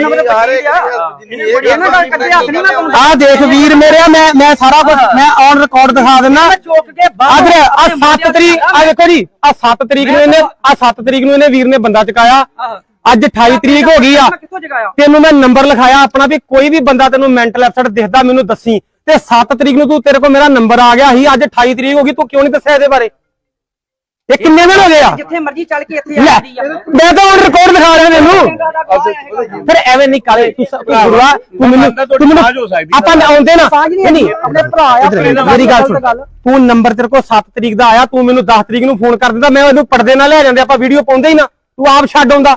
S8: ਇਹਨਾਂ ਗੱਲ ਕੱਢੇ ਹੱਥ ਨਹੀਂ ਮੈਂ ਪਾਉਂਦਾ
S5: ਆ ਦੇਖ ਵੀਰ ਮੇਰਿਆ ਮੈਂ ਮੈਂ ਸਾਰਾ ਕੁਝ ਮੈਂ ਔਨ ਰਿਕਾਰਡ ਦਿਖਾ ਦਿੰਦਾ
S8: ਚੁੱਕ ਕੇ
S5: ਆਦਰ ਆ ਸੱਤ ਤਰੀਕ ਆ ਦੇਖੋ ਜੀ ਆ ਸੱਤ ਤਰੀਕ ਨੂੰ ਇਹਨੇ ਆ ਸੱਤ ਤਰੀਕ ਨੂੰ ਇਹਨੇ ਵੀਰ ਨੇ ਬੰਦਾ ਚੁਕਾਇਆ ਅੱਜ ਅਠਾਈ ਤਰੀਕ ਹੋ ਗਈ ਆ
S8: ਕਿੱਥੋਂ ਜਗਾਇਆ
S5: ਤੈਨੂੰ ਮੈਂ ਨੰਬਰ ਲਿਖਾਇਆ ਆਪਣਾ ਵੀ ਕੋਈ ਵੀ ਬੰਦਾ ਤੈਨੂੰ ਮੈਂਟਲ ਅਪਸੈਟ ਦਿਖਦਾ ਮੈਨੂੰ ਦੱਸੀ ਤੇ ਸੱਤ ਤਰੀਕ ਨੂੰ ਤੂੰ ਤੇਰੇ ਕੋਲ ਮੇਰਾ ਨੰਬਰ ਆ ਗਿਆ ਸੀ ਅੱਜ ਅਠਾਈ ਤਰੀਕ ਹੋ ਗਈ ਤੂੰ ਕਿਉਂ ਨਹੀਂ ਦੱਸਿਆ ਇਹਦੇ ਬਾਰੇ ਇਹ ਕਿੰਨੇ ਦਿਨ ਹੋ ਗਏ ਆ
S8: ਜਿੱਥੇ ਮਰਜ਼ੀ ਚੱਲ ਕੇ ਇੱਥੇ
S5: ਲੈ
S8: ਆਉਂਦੀ ਆ
S5: ਮੈਂ ਤਾਂ ਹੁਣ ਰਿਕਾਰਡ ਦਿਖਾ ਰਿਹਾ ਤੈਨੂੰ ਫਿਰ ਐਵੇਂ ਨਹੀਂ ਕਾਲੇ ਤੂੰ ਗੁਰੂਆ ਤੂੰ ਮੈਨੂੰ ਤੂੰ ਮੈਨੂੰ ਆਪਾਂ ਆਉਂਦੇ ਨਾ ਨਹੀਂ
S8: ਆਪਣੇ ਭਰਾ ਆ
S5: ਮੇਰੀ ਗੱਲ ਸੁਣ ਤੂੰ ਨੰਬਰ ਤੇਰੇ ਕੋਲ ਸੱਤ ਤਰੀਕ ਦਾ ਆਇਆ ਤੂੰ ਮੈਨੂੰ ਦਸ ਤਰੀਕ ਨੂੰ ਫੋਨ ਕਰ ਦਿੰਦਾ ਮੈਂ ਉਹਨੂੰ ਪਰਦੇ ਨਾਲ ਲੈ ਜਾਂਦੇ ਆਪਾਂ ਵੀਡੀਓ ਪਾਉਂਦੇ ਹੀ ਨਾ ਤੂੰ ਆਪ ਛੱਡ ਆਉਂਦਾ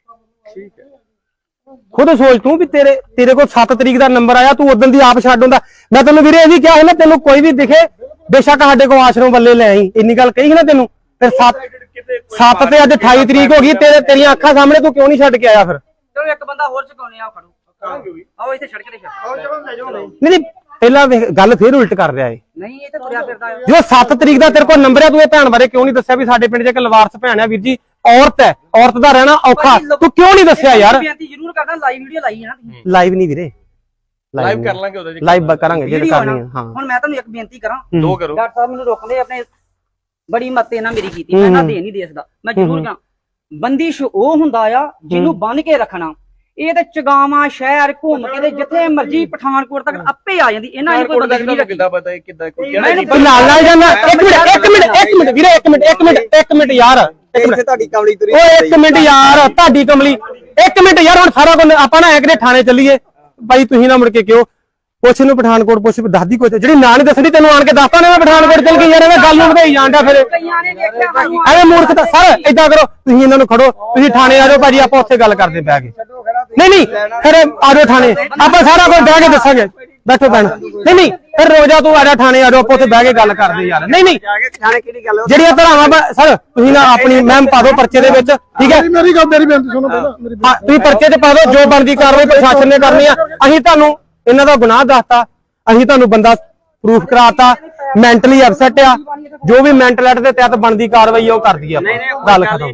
S5: ਖੁਦ ਸੋਚ ਤੂੰ ਵੀ ਤੇਰੇ ਤੇਰੇ ਕੋਲ ਸੱਤ ਤਰੀਕ ਦਾ ਨੰਬਰ ਆਇਆ ਤੂੰ ਉਦੋਂ ਦੀ ਆਪ ਛੱਡ ਹੁੰਦਾ ਮੈਂ ਤੈਨੂੰ ਵੀਰੇ ਇਹ ਵੀ ਕਿਹਾ ਹੁੰਦਾ ਤੈਨੂੰ ਕੋਈ ਵੀ ਦਿਖੇ ਬੇਸ਼ੱਕ ਸਾਡੇ ਕੋਲ ਆਸ਼ਰਮ ਵੱਲੇ ਲੈ ਆਈ ਇੰਨੀ ਗੱਲ ਕਹੀ ਨਾ ਤੈਨੂੰ ਫਿਰ ਸੱਤ ਸੱਤ ਤੇ ਅੱਜ ਅਠਾਈ ਤਰੀਕ ਹੋ ਗਈ ਤੇਰੇ ਤੇਰੀਆਂ ਅੱਖਾਂ ਸਾਹਮਣੇ ਤੂੰ ਕਿਉਂ ਨਹੀਂ ਛੱਡ ਕੇ ਆਇਆ ਫਿਰ
S8: ਚਲੋ ਇੱਕ ਬੰਦਾ ਹੋਰ ਚੁਕਾਉਣੇ ਆ ਫੜੋ ਆਓ ਇੱਥੇ ਸੜਕ ਤੇ ਛੱਡ
S5: ਨਹੀਂ ਨਹੀਂ ਪਹਿਲਾਂ ਗੱਲ ਫੇਰ ਉਲਟ ਕਰ ਰਿਹਾ ਏ
S8: ਨਹੀਂ ਇਹ ਤਾਂ ਤੁਰਿਆ ਫਿਰਦਾ ਆ
S5: ਜੋ ਸੱਤ ਤਰੀਕ ਦਾ ਤੇਰੇ ਕੋਲ ਨੰਬਰ ਹੈ ਤੂੰ ਇਹ ਭੈਣ ਬਾਰੇ ਕਿਉਂ ਨਹੀਂ ਦੱਸਿਆ ਵੀ ਸਾਡੇ ਪਿੰਡ 'ਚ ਇੱਕ ਲਵਾਰਸ ਭੈਣ ਹੈ ਵੀਰ ਜੀ ਔਰਤ ਹੈ ਔਰਤ ਦਾ ਰਹਿਣਾ ਔਖਾ ਤੂੰ ਕਿਉਂ ਨਹੀਂ ਦੱਸਿਆ ਯਾਰ
S8: ਬੇਨਤੀ ਜ਼ਰੂਰ ਕਰਦਾ ਲਾਈਵ ਵੀਡੀਓ ਲਾਈ ਹੈ ਨਾ ਤੁਸੀਂ
S5: ਲਾਈਵ ਨਹੀਂ ਵੀਰੇ
S7: ਲਾਈਵ ਕਰ ਲਾਂਗੇ ਉਹਦੇ
S5: ਲਾਈਵ ਕਰਾਂਗੇ ਜੇ ਕਰਨੀ ਹੈ ਹਾਂ
S8: ਹੁਣ ਮੈਂ ਤੁਹਾਨੂੰ ਇੱਕ ਬੇਨਤੀ ਕਰਾਂ
S7: ਦੋ ਕਰੋ
S8: ਡਾਕਟਰ ਸਾਹਿਬ ਮੈਨੂੰ ਰੋਕਦੇ ਆਪਣੇ ਬੜੀ ਮੱਤੇ ਨਾਲ ਮੇਰੀ ਕੀਤੀ ਮੈਂ ਨਾ ਦੇ ਨਹੀਂ ਦੇ ਸਕਦਾ ਮੈਂ ਜ਼ਰੂਰ ਕਰਾਂ ਬੰਦਿਸ਼ ਉਹ ਹੁੰਦਾ ਆ ਜਿਹਨੂੰ ਬੰਨ ਕੇ ਰੱਖਣਾ ਇਹ ਤੇ ਚਗਾਵਾਂ ਸ਼ਹਿਰ ਘੁੰਮ ਕੇ ਤੇ ਜਿੱਥੇ ਮਰਜੀ ਪਠਾਨਕੋਟ ਤੱਕ ਆਪੇ ਆ ਜਾਂਦੀ ਇਹਨਾਂ ਨੂੰ ਕੋਈ ਬੰਦਿਸ਼ ਨਹੀਂ ਰੱਖੀ
S7: ਕਿੱਦਾਂ ਪਤਾ ਕਿੱਦਾਂ ਕੋਈ
S5: ਨਾਲ ਨਾਲ ਜਾਂਦਾ ਇੱਕ ਮਿੰਟ ਇੱਕ ਮਿੰਟ ਇੱਕ ਮਿੰਟ ਵੀਰੇ ਇੱਕ ਮਿੰਟ ਇੱਕ ਮਿੰਟ ਇੱਕ ਮਿੰਟ ਯਾਰ
S2: ਇੱਥੇ ਤੁਹਾਡੀ ਕਮਲੀ ਤੁਰੀ
S5: ਓਏ ਇੱਕ ਮਿੰਟ ਯਾਰ ਤੁਹਾਡੀ ਕਮਲੀ ਇੱਕ ਮਿੰਟ ਯਾਰ ਹੁਣ ਸਾਰਾ ਕੁਝ ਆਪਾਂ ਨਾ ਐਕਰੇ ਥਾਣੇ ਚੱਲੀਏ ਬਾਈ ਤੁਸੀਂ ਨਾ ਮੁੜ ਕੇ ਕਿਉਂ ਪੁੱਛ ਨੂੰ ਪਠਾਨਕੋਟ ਪੁੱਛ ਦੱਸਦੀ ਕੋਈ ਜਿਹੜੀ ਨਾਂ ਨਹੀਂ ਦੱਸਣੀ ਤੈਨੂੰ ਆਣ ਕੇ ਦੱਸਦਾ ਨਾ ਮੈਂ ਪਠਾਨਕੋਟ ਚੱਲ ਗਈ ਯਾਰ ਐਵੇਂ ਗੱਲ ਨੂੰ ਵਧਾਈ ਜਾਂਦਾ ਫਿਰ
S8: ਕਈਆਂ ਨੇ ਦੇਖਿਆ ਸਾਨੂੰ
S5: ਐਵੇਂ ਮੂਰਖਤਾ ਸਰ ਏਦਾਂ ਕਰੋ ਤੁਸੀਂ ਇਹਨਾਂ ਨੂੰ ਖੜੋ ਤੁਸੀਂ ਥਾਣੇ ਆ ਜਾਓ ਭਾਜੀ ਆਪਾਂ ਉੱਥੇ ਗੱਲ ਕਰਦੇ ਬਹਿ ਕੇ ਨਹੀਂ ਨਹੀਂ ਫਿਰ ਆ ਜਾਓ ਥਾਣੇ ਆਪਾਂ ਸਾਰਾ ਕੁਝ ਬਹਿ ਕੇ ਦੱਸਾਂਗੇ ਬੈਠੋ ਭੈਣ ਨਹੀਂ ਨਹੀਂ ਫਿਰ ਰੋਜ਼ਾ ਤੂੰ ਆ ਜਾ ਥਾਣੇ ਆ ਜਾਓ ਆਪਾਂ ਉੱਥੇ ਬਹਿ ਕੇ ਗੱਲ ਕਰਦੇ ਯਾਰ ਨਹੀਂ ਨਹੀਂ
S2: ਥਾਣੇ ਕਿਹੜੀ ਗੱਲ
S5: ਜਿਹੜੀਆਂ ਧਰਾਵਾਂ ਸਰ ਤੁਸੀਂ ਨਾ ਆਪਣੀ ਮੈਮ ਪਾ ਦਿਓ ਪਰਚੇ ਦੇ ਵਿੱਚ ਠੀਕ ਹੈ
S6: ਮੇਰੀ ਗੱਲ ਮੇਰੀ ਬੇਨਤੀ ਸੁਣੋ ਪਹਿਲਾਂ ਮੇਰੀ
S5: ਹਾਂ ਤੁਸੀਂ ਪਰਚੇ ਤੇ ਪਾ ਦਿਓ ਜੋ ਬਣਦੀ ਕਾਰਵਾਈ ਪ੍ਰਸ਼ਾਸਨ ਨੇ ਕਰਨੀ ਆ ਅਸੀਂ ਤੁਹਾਨੂੰ ਇਹਨਾਂ ਦਾ ਗੁਨਾਹ ਦੱਸਤਾ ਅਸੀਂ ਤੁਹਾਨੂੰ ਬੰਦਾ ਪ੍ਰੂਫ ਕਰਾਤਾ ਮੈਂਟਲੀ ਅਪਸੈਟ ਆ ਜੋ ਵੀ ਮੈਂਟਲ ਐਟ ਦੇ ਤਹਿਤ ਬਣਦੀ ਕਾਰਵਾਈ ਉਹ ਕਰਦੀ ਆ ਗੱਲ ਖਤਮ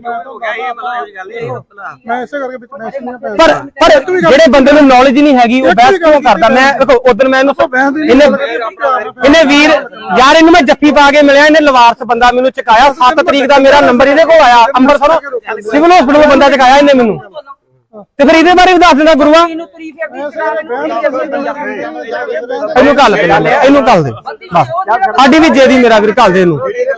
S6: ਮੈਂ ਇਸੇ ਕਰਕੇ ਵਿੱਚ ਮੈਂ ਸੁਣਿਆ ਪਿਆ
S5: ਪਰ ਪਰ ਜਿਹੜੇ ਬੰਦੇ ਨੂੰ ਨੌਲੇਜ ਨਹੀਂ ਹੈਗੀ ਉਹ ਬਹਿਸ ਕਿਉਂ ਕਰਦਾ ਮੈਂ ਦੇਖੋ ਉਦੋਂ ਮੈਂ ਇਹਨੂੰ ਇਹਨੇ ਇਹਨੇ ਵੀਰ ਯਾਰ ਇਹਨੂੰ ਮੈਂ ਜੱਫੀ ਪਾ ਕੇ ਮਿਲਿਆ ਇਹਨੇ ਲਵਾਰਸ ਬੰਦਾ ਮੈਨੂੰ ਚੁਕਾਇਆ ਸੱਤ ਤਰੀਕ ਦਾ ਮੇਰਾ ਨੰਬਰ ਇਹਦੇ ਕੋਲ ਆਇਆ ਅੰਮ੍ਰਿਤਸਰ ਸਿਵਲ ਹਸਪੀਟਲ ਬੰਦਾ ਚੁਕਾਇਆ ਇਹਨੇ ਮੈਨੂੰ ਤੇ ਫਿਰ ਇਹਦੇ ਬਾਰੇ ਵੀ ਦੱਸ ਦਿੰਦਾ ਗੁਰੂਆ
S8: ਇਹਨੂੰ ਤਰੀ ਫੇਰਦੀ ਚਲਾ
S5: ਇਹਨੂੰ ਕੱਲ ਇਹਨੂੰ ਕੱਲ ਦੇ ਬਸ ਸਾਡੀ ਵੀ ਜੇ ਦੀ ਮੇਰਾ ਵੀਰ ਕੱਲ ਦੇ ਇਹਨੂੰ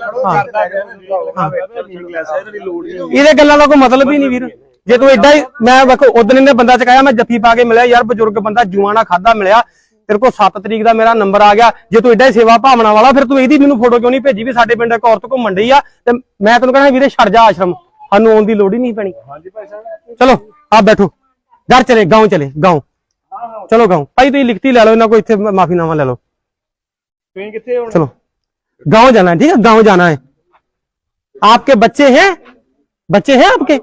S5: ਇਹਦੇ ਗੱਲਾਂ ਦਾ ਕੋਈ ਮਤਲਬ ਹੀ ਨਹੀਂ ਵੀਰ ਜੇ ਤੂੰ ਏਡਾ ਹੀ ਮੈਂ ਵੇਖੋ ਉਦੋਂ ਇਹਨੇ ਬੰਦਾ ਚਕਾਇਆ ਮੈਂ ਜੱਫੀ ਪਾ ਕੇ ਮਿਲਿਆ ਯਾਰ ਬਜ਼ੁਰਗ ਬੰਦਾ ਜੂਆਣਾ ਖਾਦਾ ਮਿਲਿਆ ਤੇਰੇ ਕੋਲ ਸੱਤ ਤਰੀਕ ਦਾ ਮੇਰਾ ਨੰਬਰ ਆ ਗਿਆ ਜੇ ਤੂੰ ਏਡਾ ਹੀ ਸੇਵਾ ਭਾਵਨਾ ਵਾਲਾ ਫਿਰ ਤੂੰ ਇਹਦੀ ਮੈਨੂੰ ਫੋਟੋ ਕਿਉਂ ਨਹੀਂ ਭੇਜੀ ਵੀ ਸਾਡੇ ਪਿੰਡ ਇੱਕ ਔਰਤ ਘੁੰਮਣ ਡਈ ਆ ਤੇ ਮੈਂ ਤੈਨੂੰ ਕਹਿਣਾ ਵੀਰੇ ਛੱਡ ਜਾ ਆਸ਼ਰਮ ਸਾਨੂੰ ਆਉਣ ਦੀ ਲੋੜ ਹੀ ਨਹੀਂ ਪੈਣੀ ਚਲੋ ਆਪ बैठो घर चले गांव चले गांव चलो गांव भाई तुम लिखती ले लो इन्हों को इतने माफीनामा ले लो चलो गांव जाना है ठीक है गांव जाना है आपके बच्चे हैं बच्चे हैं आपके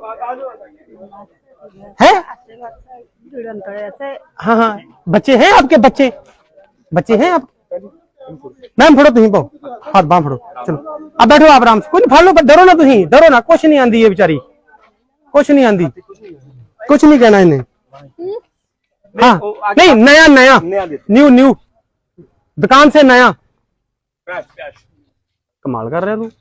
S5: हैं हाँ हाँ बच्चे हैं आपके बच्चे बच्चे हैं आप मैम फड़ो तुम पाओ हाथ बांह फड़ो चलो अब बैठो आप आराम से कोई फड़ लो डरो ना तुम डरो ना कुछ नहीं आंदी है बेचारी कुछ नहीं आंदी कुछ नहीं कहना इन्हें हाँ नहीं नया नया न्यू न्यू दुकान से नया कमाल कर रहे तू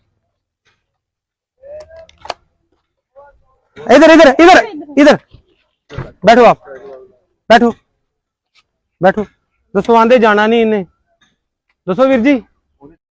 S5: इधर इधर इधर इधर बैठो आप बैठो बैठो दोस्तों आंदे जाना नहीं इन्हें दोस्तों वीर जी